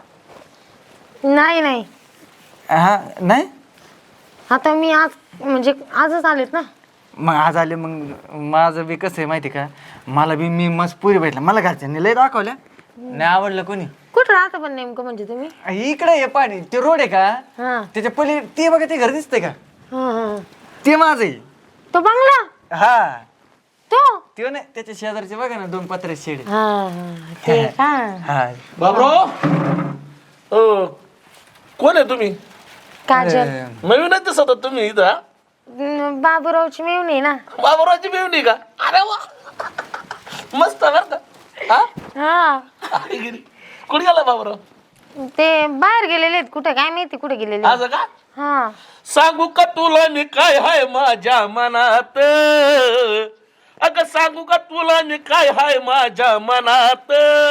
[SPEAKER 5] नाही नाही,
[SPEAKER 4] हा नाही,
[SPEAKER 5] आता मी आज म्हणजे आजच आलेत ना.
[SPEAKER 4] मग आज आले. मग माझं बी कसं आहे माहिती का, मला बी मी मस्त पुरी भेटला, मला घरच्यांनी लय दाखवल्या, नाही आवडलं कोणी.
[SPEAKER 5] कुठं राहता पण नेमकं म्हणजे तुम्ही?
[SPEAKER 4] इकडे हे पाणी ते रोड आहे का,
[SPEAKER 5] हा
[SPEAKER 4] त्याच्या पली ते बघा ते घर दिसतंय का,
[SPEAKER 5] हा हा.
[SPEAKER 4] ते माझं आहे.
[SPEAKER 5] तो बंगला
[SPEAKER 4] हा
[SPEAKER 5] तो?
[SPEAKER 4] ते नाही, त्याच्या शेजारचे बघा ना दोन पत्रे शेड.
[SPEAKER 5] हा हा, ते का?
[SPEAKER 4] हा
[SPEAKER 3] बाबराव हो, कोण आहे तुम्ही?
[SPEAKER 5] काजल.
[SPEAKER 3] नवीन आहे दिसत होता तुम्ही इथं हा?
[SPEAKER 5] न- बाबूरावची मेवणी ना.
[SPEAKER 3] बाबरावची मेवणी का? अरे वा, मस्त बर का. हा
[SPEAKER 5] हा,
[SPEAKER 3] अरे गिरी. कुठे गेला बाबराव?
[SPEAKER 5] ते बाहेर गेलेले आहेत, कुठे काय माहिती कुठे गेलेले.
[SPEAKER 3] असं का?
[SPEAKER 5] हा,
[SPEAKER 3] सांगू का तुला मी काय हाय माझ्या मनात, अगं सांगू का तुला मी काय हाय माझ्या मनात,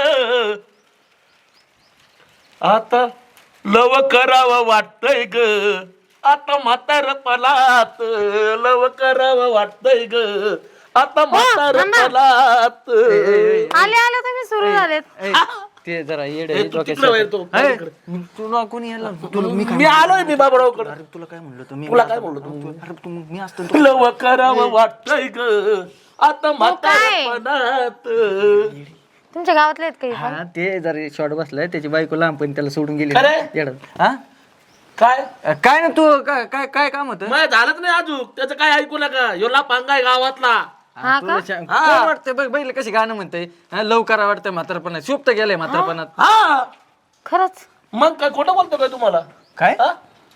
[SPEAKER 3] आता लव करावं वाटतंय ग, आता म्हातारपणात लव करावं वाटतंय ग, आता म्हातारपणात.
[SPEAKER 5] आले आले तुम्ही सुरू झालेत.
[SPEAKER 4] ए, ते जरा येड
[SPEAKER 3] ए, तू तिकडे बाहेर तो, पलीकडे.
[SPEAKER 4] तुला कोणी यायला तुला मी काय
[SPEAKER 3] मी आलोय मी बाबरावकडे.
[SPEAKER 4] अरे तुला काय म्हणलं तुम्ही,
[SPEAKER 3] तुला काय म्हणलो तू?
[SPEAKER 4] अरे तू मी असतो
[SPEAKER 3] लव करावं वाटतंय ग, आता म्हातारपणात.
[SPEAKER 5] तुमच्या गावातले आहेत काही?
[SPEAKER 4] हा ते जरा शॉर्ट बसलाय, त्याची बायको लहान पण त्याला सोडून गेली
[SPEAKER 3] खरंय?
[SPEAKER 4] येडं. हा
[SPEAKER 3] काय
[SPEAKER 4] अ, काय ना तू काय काय काय काम होतं?
[SPEAKER 3] मग झालंच नाही अजून, त्याचं काय ऐकू नका. योला पांगाय गावातला.
[SPEAKER 5] हा
[SPEAKER 4] तुला
[SPEAKER 5] का?
[SPEAKER 4] सांग- कोण वाटतंय बघ बैल कशी गाणं म्हणतंय, हा, लवकर वाटतंय म्हातारपणात, शुभ तर गेलंय म्हातारपणात.
[SPEAKER 3] हा
[SPEAKER 5] खरंच?
[SPEAKER 3] मग काय खोटं बोलतो काय तुम्हाला?
[SPEAKER 4] काय
[SPEAKER 3] हा?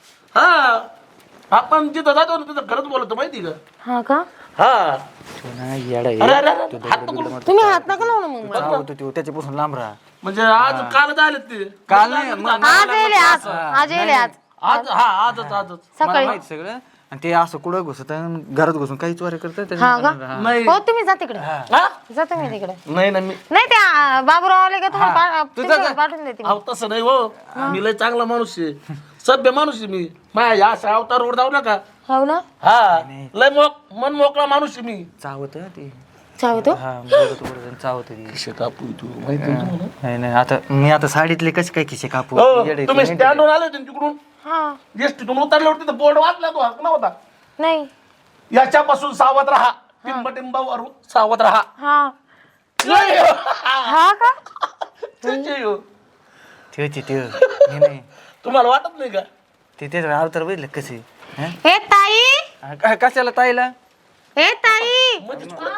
[SPEAKER 3] हा आपण जिथं जातो ना तिथं खरंच बोलतो माहिती का?
[SPEAKER 5] हा का?
[SPEAKER 3] हा
[SPEAKER 4] तू ना येडा आहे.
[SPEAKER 3] अरे अरे अरे, हात नको करू.
[SPEAKER 5] तुम्ही हात नका लावू ना मग मला.
[SPEAKER 4] चाव होतो तो, त्याच्यापासून लांब राहा.
[SPEAKER 3] म्हणजे आज काल झाले ते
[SPEAKER 4] काल नाही मग
[SPEAKER 5] आज येले आज आज येले आज
[SPEAKER 3] आज हा आजच आजच
[SPEAKER 4] मला
[SPEAKER 5] सकाळी.
[SPEAKER 4] माहिती सगळं. आणि ते असं कुठं घुसत घरात घुसून काही चोऱ्या करतात
[SPEAKER 5] हा का?
[SPEAKER 3] नाही
[SPEAKER 5] हो तुम्ही जा तिकडे,
[SPEAKER 3] हा?
[SPEAKER 5] जा तुम्ही तिकडे.
[SPEAKER 3] नाही ना मी
[SPEAKER 5] नाही ते आ, बाबूराव आले का तुम्हाला पा-
[SPEAKER 4] तू जा,
[SPEAKER 5] तुमच्याकडे
[SPEAKER 4] जा.
[SPEAKER 5] पाठवून देते मी.
[SPEAKER 3] अहो तसं नाही हो, मी लय चांगला माणूस आहे, सभ्य माणूस आहे मी. माझ्या या अशा अवतारवर जाऊ नका.
[SPEAKER 5] हो ना?
[SPEAKER 3] हा लय मोक मन मोकळा माणूस आहे मी.
[SPEAKER 4] चावत ते,
[SPEAKER 5] चावतो?
[SPEAKER 4] हा बोलत बोलत चावत ती.
[SPEAKER 3] खिशे कापू तू माहिती आहे तुम्हाला?
[SPEAKER 4] नाही नाही आता मी आता साडीतले कसे काय खिशे कापू,
[SPEAKER 3] हो,
[SPEAKER 4] येडे आहे
[SPEAKER 3] तुम्ही
[SPEAKER 4] तू.
[SPEAKER 3] स्टँडवर आले होते ना तिकडून,
[SPEAKER 5] हा.
[SPEAKER 3] एसटीतून उतरल्यावर तिथं बोर्ड वाचला तो हकला होता,
[SPEAKER 5] नाही.
[SPEAKER 3] याच्यापासून सावध राहा, टिंबटिंबावर सावध राहा.
[SPEAKER 5] हा
[SPEAKER 3] लय
[SPEAKER 5] हा का?
[SPEAKER 3] त्याची हो.
[SPEAKER 4] ठेवची ठेव हे नाही
[SPEAKER 3] तुम्हाला वाटत नाही का?
[SPEAKER 4] ते तेच अवतार बघितलं कसे. हं?
[SPEAKER 5] ए ताई,
[SPEAKER 4] हा, का- कशाला ताईला,
[SPEAKER 5] ए ताई.
[SPEAKER 3] म्हणजे तुला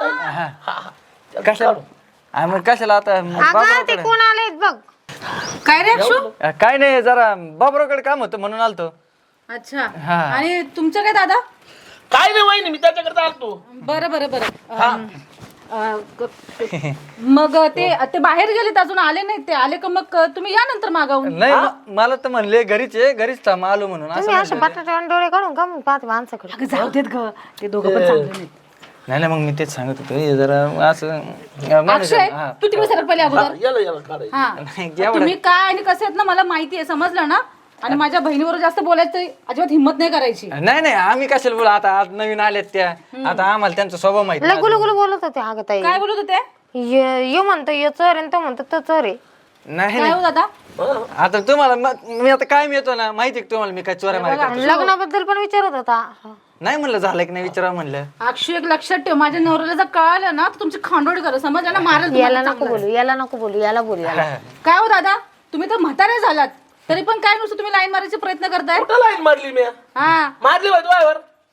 [SPEAKER 3] काय-
[SPEAKER 4] कशाला हा, मग कशाला आता
[SPEAKER 5] अगं ते
[SPEAKER 4] बाबरावकडे?
[SPEAKER 5] कोण आलेत बघ.
[SPEAKER 2] काय रे अक्षू?
[SPEAKER 4] अ, काय नाही जरा बाबरावकडे काम होतं म्हणून आलतो.
[SPEAKER 2] अच्छा.
[SPEAKER 4] हा.
[SPEAKER 2] आणि तुमचं काय दादा?
[SPEAKER 3] काय नाही वहिनी, मी त्याच्याकडे चालतो.
[SPEAKER 2] बरं बरं बरं अं, अं, क- मग ते ते बाहेर गेलेत अजून आले नाहीत. ते आले का मग तुम्ही या नंतर मागावून.
[SPEAKER 4] नाही म- मला तर म्हणले घरीच आहे, घरीच थांब आलो म्हणून असं
[SPEAKER 5] तुम्ही असे
[SPEAKER 4] म्हणले.
[SPEAKER 5] बटाटे डोळे काढून का मग पाहते माणसाकडे.
[SPEAKER 2] अगं जाऊ देत ग, ते दोघं पण चांगले नाहीत.
[SPEAKER 4] नाही नाही मग मी तेच सांगत होतो हे जरा असं अ, माणूस-
[SPEAKER 2] अक्षय
[SPEAKER 4] हा.
[SPEAKER 2] तू तिकडे सरक पहिले अगोदर.
[SPEAKER 3] याला याला काढायचं.
[SPEAKER 2] हा
[SPEAKER 4] नाही, एवढं-
[SPEAKER 2] तुम्ही काय आणि कसे आहेत ना मला माहिती आहे, समजलं ना. आणि माझ्या बहिणीवर जास्त बोलायचं अजिबात हिंमत नाही करायची.
[SPEAKER 4] नाही नाही आम्ही कशाला बोला, आता आज नवीन आलेत त्या, आता आम्हाला त्यांचा स्वभाव माहिती
[SPEAKER 5] लगू लगू बोलत होते अगं ताई.
[SPEAKER 2] काय बोलत होते?
[SPEAKER 5] ये ये म्हणतो ये चोर आहे, तो म्हणतो तो चोर आहे.
[SPEAKER 4] नाही
[SPEAKER 2] काय
[SPEAKER 4] नाही
[SPEAKER 2] हो दादा?
[SPEAKER 4] आता तुम्हाला म- मी आता काय येतो ना माहिती आहे का तुम्हाला मी काय चोऱ्या मारा
[SPEAKER 5] आणि लग्नाबद्दल पण विचारत होता.
[SPEAKER 4] नाही म्हणलं झालं की नाही विचारा म्हणलं.
[SPEAKER 2] अक्षय एक लक्षात ठेव, माझ्या नवऱ्याला जर कळालं ना तर तुमची खांडोळी करा, समजलं ना. मारेल
[SPEAKER 5] याला
[SPEAKER 2] तुम्हाला
[SPEAKER 5] नको
[SPEAKER 2] चांगलं.
[SPEAKER 5] बोलू, याला नको बोलू, याला बोलू याला.
[SPEAKER 2] काय हो दादा, तुम्ही तर म्हातारे झालात तरी पण काय नुसतं तुम्ही लाईन मारायचे प्रयत्न करताय.
[SPEAKER 3] कुठं लाईन मारली मी?
[SPEAKER 2] हा
[SPEAKER 3] मारली बाई तुझ्यावर.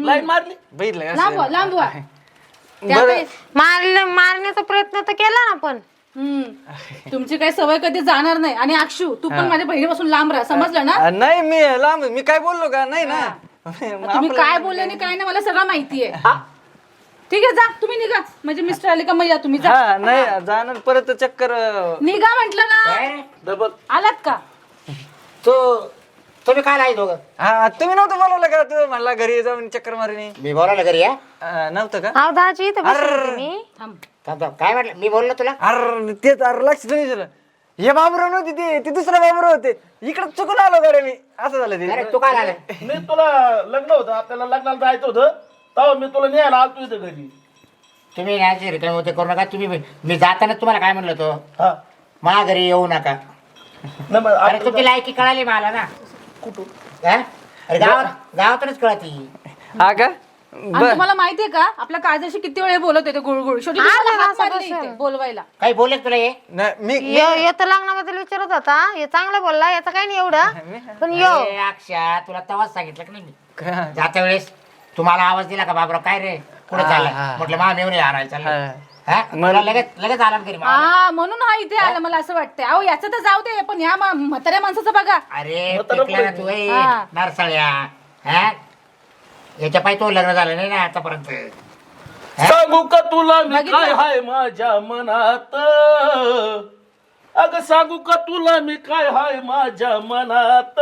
[SPEAKER 3] लाईन मारली.
[SPEAKER 4] बघितलं का?
[SPEAKER 2] लांब व्हा, लांब व्हा. त्या
[SPEAKER 4] बरं.
[SPEAKER 2] काही-
[SPEAKER 5] मारले मारण्याचा प्रयत्न तर केला ना पण.
[SPEAKER 2] हम्म. तुमची काही सवय कधी जाणार नाही. आणि अक्षू तू पण माझ्या बहिणीपासून लांब राहा, समजलं ना?
[SPEAKER 4] अ, नाही मी लांब मी काय बोललो का नाही ना.
[SPEAKER 2] तुम्ही काय बोलले आणि काय नाही मला सगळं माहितीये. ठीक आहे, जा तुम्ही निघा. म्हणजे मिस्टर आले का मग या तुम्ही, जा.
[SPEAKER 4] हा नाही जाणार परत चक्कर.
[SPEAKER 2] निघा म्हंटल ना.
[SPEAKER 1] काय रे?
[SPEAKER 3] डबल
[SPEAKER 2] आलात का?
[SPEAKER 1] तू तुम्ही काय आहे दोघं?
[SPEAKER 4] हा तुम्ही नव्हतं बोलवलं का तू म्हणला घरी जाऊन चक्कर मारणी.
[SPEAKER 1] मी बोलावलं घरी या
[SPEAKER 4] अ, नव्हतं का?
[SPEAKER 5] अहो दाजी इथं बसले होते मी.
[SPEAKER 2] थांब.
[SPEAKER 1] थांब थांब. काय म्हटलं मी बोललो तुला?
[SPEAKER 4] अरे तेच अरे लक्ष नाही दिलं. हे बाबूराव नव्हते ते ते दुसरा बाबूराव होते. इकडे चुकून आलो गाड्या मी असं झालं
[SPEAKER 1] अरे
[SPEAKER 4] ते.
[SPEAKER 1] तू काय आला?
[SPEAKER 3] मी तुला लग्न होतं आपल्याला लग्नाला जायचं होतं तेव्हा मी तुला न्यायला आलतो इथं घरी.
[SPEAKER 1] तुम्ही नाही रिकामे होते करू नका. तुम्ही मी जाताना तुम्हाला काय म्हणलं तो
[SPEAKER 3] हा
[SPEAKER 1] माझ्या घरी येऊ नका.
[SPEAKER 3] नाही मग
[SPEAKER 1] अरे
[SPEAKER 3] आता
[SPEAKER 1] तुमची लायकी कळाली मला ना.
[SPEAKER 3] कुठून
[SPEAKER 1] हा? अरे गावात गावातूनच कळती.
[SPEAKER 4] हा का?
[SPEAKER 2] आणि तुम्हाला माहितीये का आपल्या काळजाशी किती वेळ बोलत होते गुळगुळ. शेवटी तुम्हाला हात मारले इथे बोलवायला.
[SPEAKER 1] काही बोलले का तुला हे?
[SPEAKER 4] नाही, मी
[SPEAKER 5] यो यो तर लग्नाबद्दल विचारत होता. हे चांगला बोलला, याचा काही नाही एवढं. पण यो
[SPEAKER 1] अरे अक्षा तुला तेव्हाच सांगितलं की नाही मी जाता वेळेस तुम्हाला आवाज दिला का बाबराव काय रे कुठे
[SPEAKER 4] हा,
[SPEAKER 1] चालला
[SPEAKER 4] हा.
[SPEAKER 1] म्हटलं मा मेवणी आणायला चाललं.
[SPEAKER 4] हा.
[SPEAKER 1] हा? मला लगेच लगेच आला ना घरी मला.
[SPEAKER 2] हा म्हणून हा इथे आला मला असं वाटतंय. अहो याचं तर जाऊ दे, पण या मा- म्हाताऱ्या माणसाचं बघा.
[SPEAKER 1] अरे
[SPEAKER 3] म्हातारं
[SPEAKER 1] पिकला ना
[SPEAKER 3] पोरगी.
[SPEAKER 1] तू ए,
[SPEAKER 2] हा.
[SPEAKER 1] नारसाळ्या हा याच्या पायी तो लग्न झालं नाही ना आतापर्यंत.
[SPEAKER 3] सांगू का तुला मी
[SPEAKER 2] बघितलं?
[SPEAKER 3] काय हाय माझ्या मनात. अगं सांगू का तुला मी काय हाय माझ्या मनात.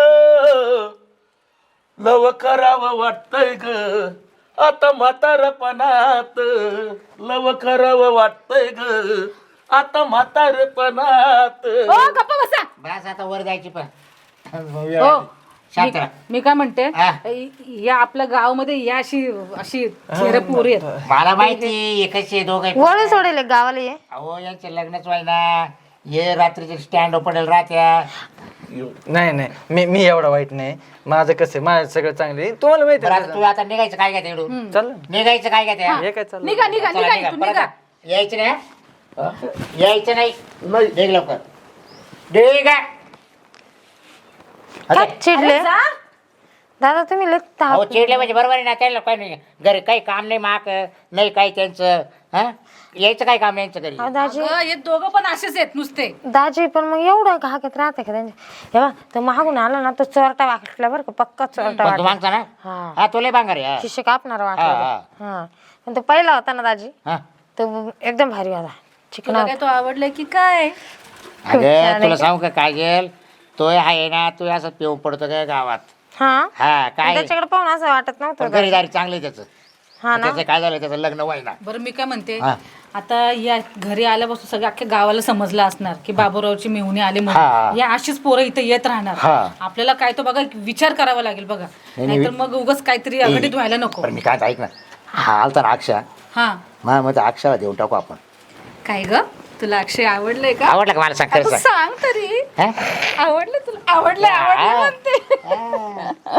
[SPEAKER 3] लव करावं वाटतंय ग आता म्हातारपणात. लव करावं वाटतंय ग आता म्हातारपणात.
[SPEAKER 2] हो गप्पा बसा.
[SPEAKER 1] बस आता वर जायची पण
[SPEAKER 2] हो
[SPEAKER 1] शांत राहा.
[SPEAKER 2] मी- मी काय म्हणते,
[SPEAKER 1] हा.
[SPEAKER 2] या आपल्या गावामध्ये या अशी अशी चेहरे पोरी आहेत.
[SPEAKER 1] मला माहिती एकच दोघं
[SPEAKER 5] वळू सोडेल एक गावाला ये.
[SPEAKER 1] अहो यांचे लग्नच व्हायना. ये रात्रीचे स्टँड पडेल राहत्या.
[SPEAKER 4] नाही नाही मी मी एवढा वाईट नाही. माझं कसं आहे, माझं सगळं चांगलं आहे. तुम्हाला माहिती
[SPEAKER 1] बरं
[SPEAKER 4] आहे
[SPEAKER 1] आता तू आता निघायचं काय काय इकडून?
[SPEAKER 4] चल
[SPEAKER 1] निघायचं काय काय
[SPEAKER 4] हे काय चाललं.
[SPEAKER 2] निघा निघा निघा इथून निघा.
[SPEAKER 1] यायचं नाही हा? यायचं नाही.
[SPEAKER 3] नाही
[SPEAKER 1] निघ लवकर निघ.
[SPEAKER 5] काय चिडले
[SPEAKER 2] अरे जा.
[SPEAKER 5] दादा तुम्ही लय ताप-
[SPEAKER 1] अहो चिडले म्हणजे बरोबर आहे ना. त्याला काय नाही घरी काही काम नाही माक नाही काही त्यांचं हा यायचं काय काम यांचं घरी.
[SPEAKER 5] अहो, दाजी
[SPEAKER 2] अगं, हे दोघं पण असेच आहेत नुसते.
[SPEAKER 5] दाजी पण मग एवढं घागत राहते का त्यांच्या. हे बा तो मागून आला ना तो चोरटा वाटला बरं का, पक्का चोरटा
[SPEAKER 1] पण तू
[SPEAKER 5] वाटला.
[SPEAKER 1] मागचा ना
[SPEAKER 5] हा
[SPEAKER 1] हा तुला बांगार आहे,
[SPEAKER 5] शिष्य कापणार वाटला
[SPEAKER 1] हा,
[SPEAKER 5] तो. हा पण तो पहिला होता ना दाजी,
[SPEAKER 1] हा हा.
[SPEAKER 5] तो एकदम भारी होता. चिकना
[SPEAKER 2] तुला काय तो आवडलाय की काय?
[SPEAKER 1] अगं तुला सांगू का काय गेल तो आहे ना तू असं पिऊन पडतो काय गावात.
[SPEAKER 5] हा
[SPEAKER 1] हा काय
[SPEAKER 5] त्याच्याकडे पाहून असं वाटत नव्हतं.
[SPEAKER 1] पण घरीदारी चांगली त्याचं.
[SPEAKER 5] हा ना
[SPEAKER 1] त्याचं काय झालं त्याचं लग्न व्हायना.
[SPEAKER 2] बरं मी काय म्हणते,
[SPEAKER 1] हा.
[SPEAKER 2] आता या घरी आल्यापासून सगळ्या अख्ख्या गावाला समजलं असणार की बाबूरावची मेहुणे आले
[SPEAKER 1] हा.
[SPEAKER 2] म्हणून. या अशीच पोरं इथे येत राहणार.
[SPEAKER 1] हा.
[SPEAKER 2] आपल्याला काय तो बघा विचार करावा लागेल बघा. नाहीतर मग उगाच काहीतरी अघटित व्हायला नको.
[SPEAKER 1] पण मी काय ऐक ना हा आलता ना अक्षा
[SPEAKER 2] हा
[SPEAKER 1] मग मग अक्षाला देऊन टाकू आपण.
[SPEAKER 2] काय ग तुला अक्षय आवडलंय का?
[SPEAKER 1] आवडलं का मला सांग खरं
[SPEAKER 2] आता
[SPEAKER 1] सांग.
[SPEAKER 2] सांग तरी.
[SPEAKER 1] हा?
[SPEAKER 2] आवडलं तुला? आवडलं आवडलं
[SPEAKER 1] हा.
[SPEAKER 2] म्हणते.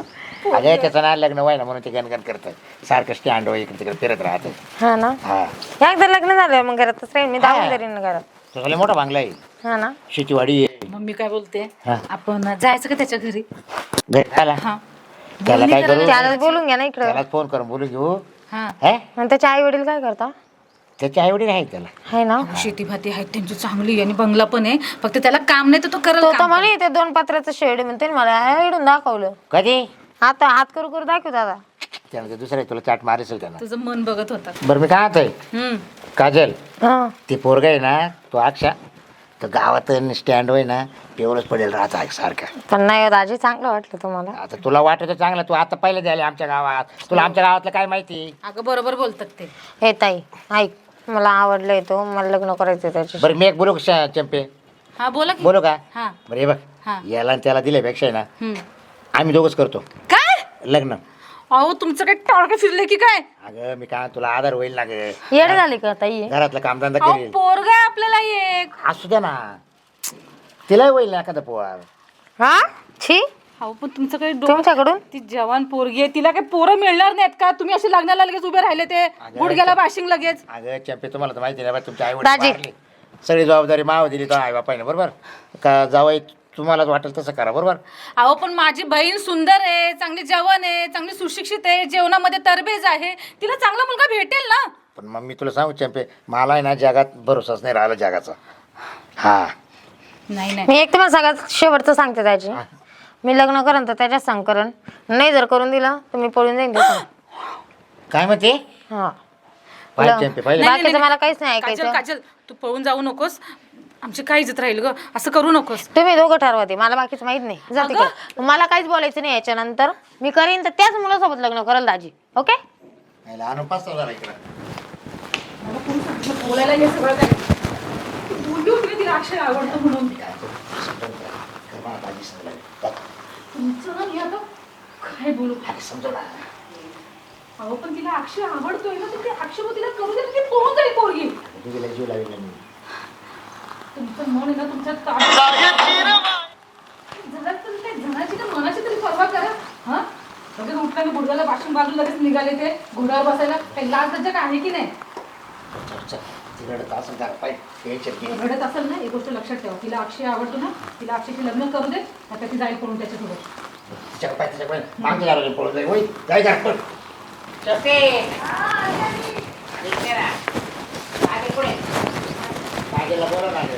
[SPEAKER 1] अगं त्याचं ना लग्न व्हायना म्हणून ते गणगण करतं सारखं स्टँड इकडे तिकडे फिरत राहतं.
[SPEAKER 5] हा ना
[SPEAKER 1] हा
[SPEAKER 5] एकदा लग्न झालं मग घरातच राहील मी.
[SPEAKER 1] हा.
[SPEAKER 5] दाखवून तरी घरात.
[SPEAKER 1] तुझा लय मोठा बांगला आहे.
[SPEAKER 5] हा ना
[SPEAKER 1] शेतीवाडी आहे.
[SPEAKER 2] मग मी काय बोलते,
[SPEAKER 1] हा.
[SPEAKER 2] आपण जायचं का त्याच्या घरी?
[SPEAKER 1] भेटायला
[SPEAKER 2] हा
[SPEAKER 1] त्याला काय करू
[SPEAKER 5] त्याला बोलून घ्या ना इकडं.
[SPEAKER 1] त्याला फोन करून बोलू घेऊ.
[SPEAKER 2] हा
[SPEAKER 1] हा
[SPEAKER 5] आणि त्याचे आई वडील काय करता?
[SPEAKER 1] त्याची आई वडील आहे त्याला.
[SPEAKER 5] आहे ना
[SPEAKER 2] शेती भाती आहेत त्यांची चांगली आणि बंगला पण आहे. फक्त त्याला काम नाही तर तो करेल
[SPEAKER 5] तो तर
[SPEAKER 2] काम.
[SPEAKER 5] म्हणे ते दोन पत्राचं शेड म्हणते ना मला इडून दाखवलं.
[SPEAKER 1] कधी
[SPEAKER 5] आता हात करू करू दाखव दादा.
[SPEAKER 1] त्याला ते दुसरं आहे, तुला चाट मारेल त्याला.
[SPEAKER 2] तुझं मन बघत होता.
[SPEAKER 1] बरं मी काय आहे
[SPEAKER 2] हम्म
[SPEAKER 1] काजल
[SPEAKER 5] हा
[SPEAKER 1] ते पोरग आहे ना तो अक्षा तर गावात स्टँड होय ना पेवरच पडेल राहता सारखा.
[SPEAKER 5] पण नाही हो दाजी चांगलं वाटलं तुम्हाला.
[SPEAKER 1] आता तुला वाटत चांगलं तू आता पहिले द्यायला आमच्या गावात तुला आमच्या गावातलं काय माहिती.
[SPEAKER 2] अगं बरोबर बोलतात ते.
[SPEAKER 5] हे ताई ऐक मला आवडलंय तो मला लग्न करायचं त्याच्या.
[SPEAKER 1] बरं मी एक बोलू का चंपे
[SPEAKER 2] हा बोला की.
[SPEAKER 1] बोलू का
[SPEAKER 2] हा
[SPEAKER 1] बरं हे बघ
[SPEAKER 2] हा.
[SPEAKER 1] याला आणि त्याला दिल्यापेक्षा आहे ना
[SPEAKER 2] हम्म.
[SPEAKER 1] आम्ही दोघंच करतो
[SPEAKER 2] काय
[SPEAKER 1] लग्न.
[SPEAKER 2] अहो तुमचं काय टाळकं फिरले की काय?
[SPEAKER 1] अगं मी काय तुला आधार होईल ना ग
[SPEAKER 5] येड झाली का ताई?
[SPEAKER 1] घरातलं कामधंदा
[SPEAKER 2] अहो
[SPEAKER 1] करेल
[SPEAKER 2] पोरगा आहे आपल्याला एक.
[SPEAKER 1] असू द्या ना तिलाही होईल ना एखादा पोहा.
[SPEAKER 5] हा छी
[SPEAKER 2] अहो पण तुमचं काही डोकं.
[SPEAKER 5] तुमच्याकडून
[SPEAKER 2] ती जवान पोरगी आहे तिला काही पोरं मिळणार नाहीत का? तुम्ही असे लग्नाला लगेच उभे राहिले ते गुडघ्याला बाशिंग लगेच.
[SPEAKER 1] अगं चंपे तुम्हाला तर माहिती नाही बा तुमच्या आई
[SPEAKER 5] दाजी.
[SPEAKER 1] वडील सगळी जबाबदारी माव दिली तर आई बापाने बरोबर का जावई तुम्हाला वाटेल तसं करा बरोबर.
[SPEAKER 2] अहो पण माझी बहीण सुंदर आहे, चांगली जवान आहे, चांगली सुशिक्षित आहे, जेवणामध्ये तरबेज आहे, तिला चांगला मुलगा भेटेल ना.
[SPEAKER 1] पण मग मी तुला सांगू चंपे, मला आहे ना जगात भरोसाच नाही राहिला जगाचा. हा
[SPEAKER 2] नाही नाही
[SPEAKER 5] मी एक तुम्हाला सगळ्यात शेवटचं सांगते त्याची, मी लग्न करेन तर त्याच्याच सांग करण, नाही जर करून दिलं तर मी पळून जाईन तिथून.
[SPEAKER 1] काय म्हणते
[SPEAKER 5] हा
[SPEAKER 1] पाहिजे चंपे पाहिजे.
[SPEAKER 2] नाही,
[SPEAKER 5] बाकीचं मला काहीच नाही
[SPEAKER 2] काजल
[SPEAKER 5] ऐकायचं.
[SPEAKER 2] काजल तू पळून जाऊ नकोस, आमची काय इज्जत राहील ग, असं करू नकोस.
[SPEAKER 5] तुम्ही दोघं ठरवा ते, मला बाकीचं माहित नाही. जाते
[SPEAKER 2] अगं.
[SPEAKER 5] का मला काहीच बोलायचं नाही याच्यानंतर. मी करीन तर त्याच मुलासोबत लग्न करेल दाजी. ओके
[SPEAKER 1] याला आणून पाच सहा जरा इकडं.
[SPEAKER 2] बोलायला हे सगळं काय तू बोलली होती ना तिला अक्षय आवडतं म्हणून.
[SPEAKER 1] मला भाजी समजायला.
[SPEAKER 2] तुमचं ना मी आता काय बोलू.
[SPEAKER 1] अरे समजव ना.
[SPEAKER 2] अहो पण तिला अक्षय आवडतोय ना, तर ते अक्षय मग तिला करू दे ना, ती पळून जाईल पोरगी.
[SPEAKER 1] तुझीला जीव लावेल मी.
[SPEAKER 2] तुमचं मन आहे ना तुमच्या ताब्यात. जरा तर त्या जनाची ना मनाची तरी पर्वा करा. हा लगेच उठल्याने गुडघ्याला बाशून बाजू लगेच निघाले ते घोड्यावर बसायला. काही लाज लज्जा काय आहे की नाही.
[SPEAKER 1] तिकडं असं जरा पाहिजे टेन्शन घे.
[SPEAKER 2] घडत असेल ना एक गोष्ट लक्षात ठेवा, तिला अक्षय आवडतो ना, तिला अक्षयशी लग्न करू दे, आता ती जाईल पळून त्याच्यासोबत.
[SPEAKER 1] तिच्याकडे पाहिजे तिच्याकडे मागच्या दाराला पळून जाईल. होय जाय जा पण. चपे इकडे राहा. मागे पुढे. मागेला बोलव ना.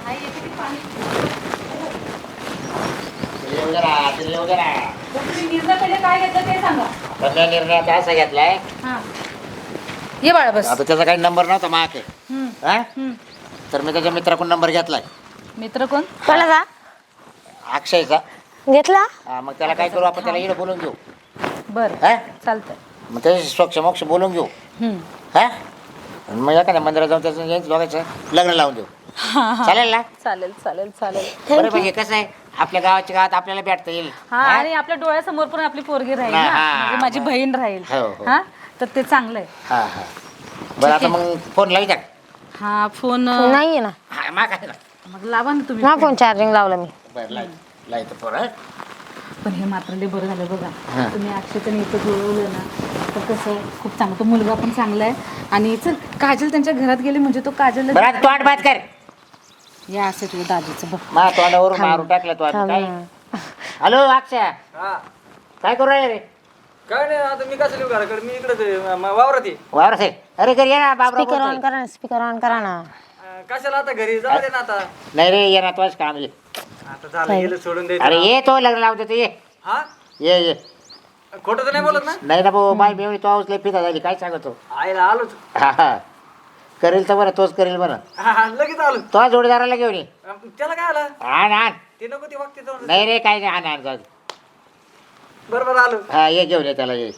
[SPEAKER 1] तिला येऊ जरा, तिला येऊ जरा.
[SPEAKER 2] तुम्ही निर्णय पहिले काय घेतलं ते सांगा.
[SPEAKER 1] पण त्या निर्णयात असा घेतलाय,
[SPEAKER 2] हा ये बाळा बस.
[SPEAKER 1] आता त्याचा काही नंबर नव्हता मागे.
[SPEAKER 2] हम्म,
[SPEAKER 1] हा
[SPEAKER 2] हम्म.
[SPEAKER 1] तर मी त्याच्या मित्राकडून नंबर घेतलाय,
[SPEAKER 2] मित्र कोण.
[SPEAKER 5] कोणाचा
[SPEAKER 1] अक्षयचा.
[SPEAKER 5] घेतला.
[SPEAKER 1] हा मग त्याला काय करू आपण, त्याला इकडे बोलून घेऊ.
[SPEAKER 2] बरं
[SPEAKER 1] हा
[SPEAKER 2] चालतंय.
[SPEAKER 1] मग त्याच्याशी स्वच्छ मोक्ष बोलून घेऊ.
[SPEAKER 2] हम्म.
[SPEAKER 1] हा आणि मग एखाद्या मंदिरात जाऊन त्याचं यांचं दोघांचं लग्न लावून देऊ. चालेल ना.
[SPEAKER 2] चालेल चालेल चालेल.
[SPEAKER 1] बरं म्हणजे कसं आहे, आपल्या गावाच्या गावात आपल्याला भेटता येईल.
[SPEAKER 2] हा आणि आपल्या डोळ्यासमोर पण आपली पोरगी राहील
[SPEAKER 1] हा,
[SPEAKER 2] ना,
[SPEAKER 1] हा,
[SPEAKER 2] म्हणजे माझी
[SPEAKER 1] हा.
[SPEAKER 2] बहीण राहील.
[SPEAKER 1] हो, हो.
[SPEAKER 2] हा तर ते चांगलं आहे.
[SPEAKER 1] हा हा बरं आता मग फोन लावी टाक.
[SPEAKER 2] हा फोन
[SPEAKER 5] नाहीये ना.
[SPEAKER 1] हा मा काय ना.
[SPEAKER 2] मग लावा ना तुम्ही.
[SPEAKER 5] मा फोन चार्जिंग लावला मी.
[SPEAKER 1] बरं लाई लाईत फोन. हा
[SPEAKER 2] पण हे मात्र लय बरं झालं बघा,
[SPEAKER 1] हा.
[SPEAKER 2] तुम्ही अक्षयचं इथं जुळवलं ना, तर कसं आहे, खूप चांगलं. तो मुलगा पण चांगला आहे. आणि चल काजल त्यांच्या घरात गेली म्हणजे तो काजल
[SPEAKER 1] बरं आता तोंड बात कर.
[SPEAKER 2] या असं तुझ्या दाजीचं बघ.
[SPEAKER 1] मा तोंडावरून मारून टाकलं तो आता काय. हॅलो अक्षय
[SPEAKER 4] हा
[SPEAKER 1] काय करू राहिले रे.
[SPEAKER 4] काय नाही, आता मी कसं लिहू घराकडे, मी इकडे वावरात आहे.
[SPEAKER 1] वावर साहेब अरे घरी ये ना बाबरा
[SPEAKER 5] स्पीकर ऑन
[SPEAKER 1] बोलतोय.
[SPEAKER 5] करा ना, स्पीकर ऑन करा ना.
[SPEAKER 4] अं, कशाला आता घरी जाऊ दे ना आता.
[SPEAKER 1] नाही रे ये ना तोच काम ये.
[SPEAKER 4] आता झालं गेलं सोडून दे.
[SPEAKER 1] अरे ये तो लग्न लावतो ये.
[SPEAKER 4] हा
[SPEAKER 1] ये ये
[SPEAKER 4] खोटं तर नाही बोलत ना.
[SPEAKER 1] नाही ना भाऊ बाई मेवणी तो लय पिता झाली काय सांगतो.
[SPEAKER 4] आईला आलोच.
[SPEAKER 1] हा हा करेल तर बरं तोच करेल बरं.
[SPEAKER 4] हा हा, लगेच आलो.
[SPEAKER 1] तो जोडीदाराला घेऊन ये.
[SPEAKER 4] अं, त्याला काय आला,
[SPEAKER 1] आण आण.
[SPEAKER 4] ते नको ते वागते जाऊन.
[SPEAKER 1] नाही रे काही नाही आण आण जाऊ दे.
[SPEAKER 4] बरोबर आलो.
[SPEAKER 1] हा ये घेऊन ये त्याला ये.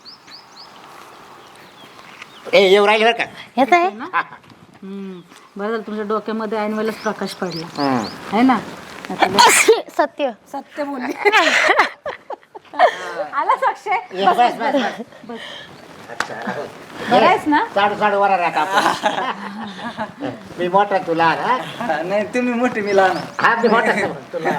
[SPEAKER 1] ए येऊ राहिले बरं का.
[SPEAKER 5] येत आहे.
[SPEAKER 1] हा, हा.
[SPEAKER 2] हम्म. बरं झालं तुमच्या डोक्यामध्ये ऐन वेळेलाच प्रकाश पडला
[SPEAKER 1] हम्म.
[SPEAKER 2] आहे ना.
[SPEAKER 5] सत्य.
[SPEAKER 2] सत्य बोलली. आलाच अक्षय.
[SPEAKER 1] ये, बस बस बस. अच्छा हो.
[SPEAKER 2] बरं आहेस ना.
[SPEAKER 1] साडू साडू वरा राहता आपण. मी मोठा तुला हा
[SPEAKER 4] हा, नाही तुम्ही मोठे मी लहान.
[SPEAKER 1] हा मी मोठा तुला.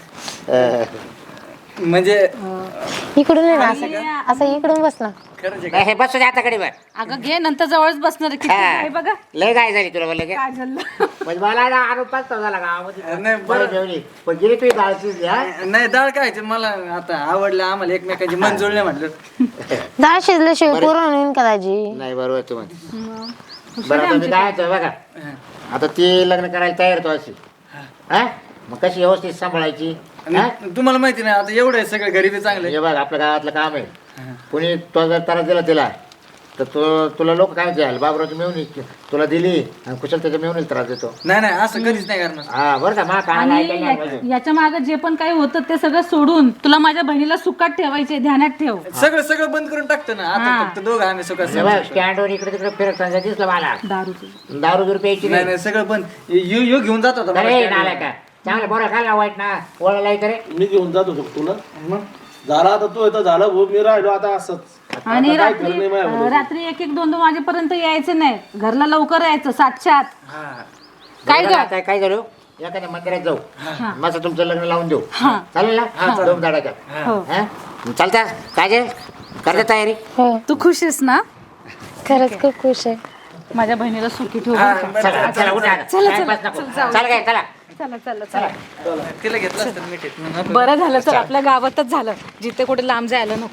[SPEAKER 4] म्हणजे
[SPEAKER 5] इकडून ये ना, असं असं इकडून बस ना.
[SPEAKER 4] खरंच आहे.
[SPEAKER 1] नाही, हे बसू दे आता कडे बर.
[SPEAKER 2] अगं घे नंतर जवळच बसणार आहे. किती आहे बघा
[SPEAKER 1] लय काय झाली तुला बोलले का.
[SPEAKER 2] काजलला.
[SPEAKER 1] म्हणजे मला ना आरोप पाच झाला गावामध्ये.
[SPEAKER 4] नाही, बरं.
[SPEAKER 1] जेवली पण गेली तुझी दाळची हा.
[SPEAKER 4] नाही डाळ काय ते मला आता आवडलं, आम्हाला एकमेकांची मन जुळले म्हटलं.
[SPEAKER 5] डाळ शिजल्याशिवाय पुरण होईन का दाजी.
[SPEAKER 1] नाही बरोबर तू म्हण. बरं आता मी काय म्हणतो बघा, आता ती लग्न करायला तयार तो अशी हा मग कशी व्यवस्थित सांभाळायची. हा?
[SPEAKER 4] आणि तुम्हाला माहिती नाही आता एवढं आहे सगळं गरीबी चांगले.
[SPEAKER 1] हे बघ आपल्या गावातलं काम आहे. कुणी तो जर त्रास दिला तिला तर तो तुला लोक काय द्याल बाबराची मिळून तुला दिली आणि कुशल त्याच्या मिळून त्रास देतो.
[SPEAKER 4] नाही नाही असं कधीच नाही करणार.
[SPEAKER 1] हा बरं का मा काय
[SPEAKER 2] आणि या- याच्या मागे जे पण काही होतं ते सगळं सोडून तुला माझ्या बहिणीला सुखात ठेवायचे, ध्यानात ठेव.
[SPEAKER 4] सगळं सगळं बंद करून टाकतं ना आता, फक्त दोघं आम्ही सुखात.
[SPEAKER 1] स्टँडवर इकडे तिकडे फिरत दिसलं मला.
[SPEAKER 2] दारूचं
[SPEAKER 1] दारू बिरू प्यायची
[SPEAKER 4] नाही
[SPEAKER 1] नाही.
[SPEAKER 4] नाही सगळं बंद. यो यो घेऊन जात होता मला
[SPEAKER 1] अरे
[SPEAKER 4] stand वर.
[SPEAKER 1] नाला का चांगलं बरं खायला वाईट ना ओळखला करे.
[SPEAKER 3] मी घेऊन जातो शकतो ना. झाला आता तू इथं झालं भाऊ, मी राहिलो आता असंच.
[SPEAKER 2] आणि
[SPEAKER 3] आता काय
[SPEAKER 2] रात्री
[SPEAKER 3] खरं नाही माझ्याकडे.
[SPEAKER 2] रात्री एक एक दोन दोन वाजेपर्यंत यायचं नाही, घरला लवकर यायचं सातच्या आत.
[SPEAKER 4] हा.
[SPEAKER 2] काय ग?
[SPEAKER 1] काय काय झालं एखाद्या मंदिरात जाऊ मस्त तुमचं लग्न लावून देऊ.
[SPEAKER 2] हा.
[SPEAKER 1] चालेल ना दोन दाडाच्या.
[SPEAKER 2] हो.
[SPEAKER 1] चालता काय जे करते तयारी.
[SPEAKER 5] हो
[SPEAKER 2] तू खुश आहेस ना.
[SPEAKER 5] खरंच खूप खुश आहे.
[SPEAKER 2] माझ्या बहिणीला सुखी ठेव
[SPEAKER 4] हा,
[SPEAKER 2] बरं का?
[SPEAKER 4] बरं,
[SPEAKER 1] चला चला उठा
[SPEAKER 2] चला,
[SPEAKER 1] टाइमपास
[SPEAKER 2] चला,
[SPEAKER 1] नको.
[SPEAKER 2] चल, जाऊ.
[SPEAKER 1] चला काय चला
[SPEAKER 2] चला चला चला
[SPEAKER 4] तिला घेतलं असतं मिठीत
[SPEAKER 2] बरं झालं तर आपल्या गावातच झालं जिथे कुठे लांब जायला नको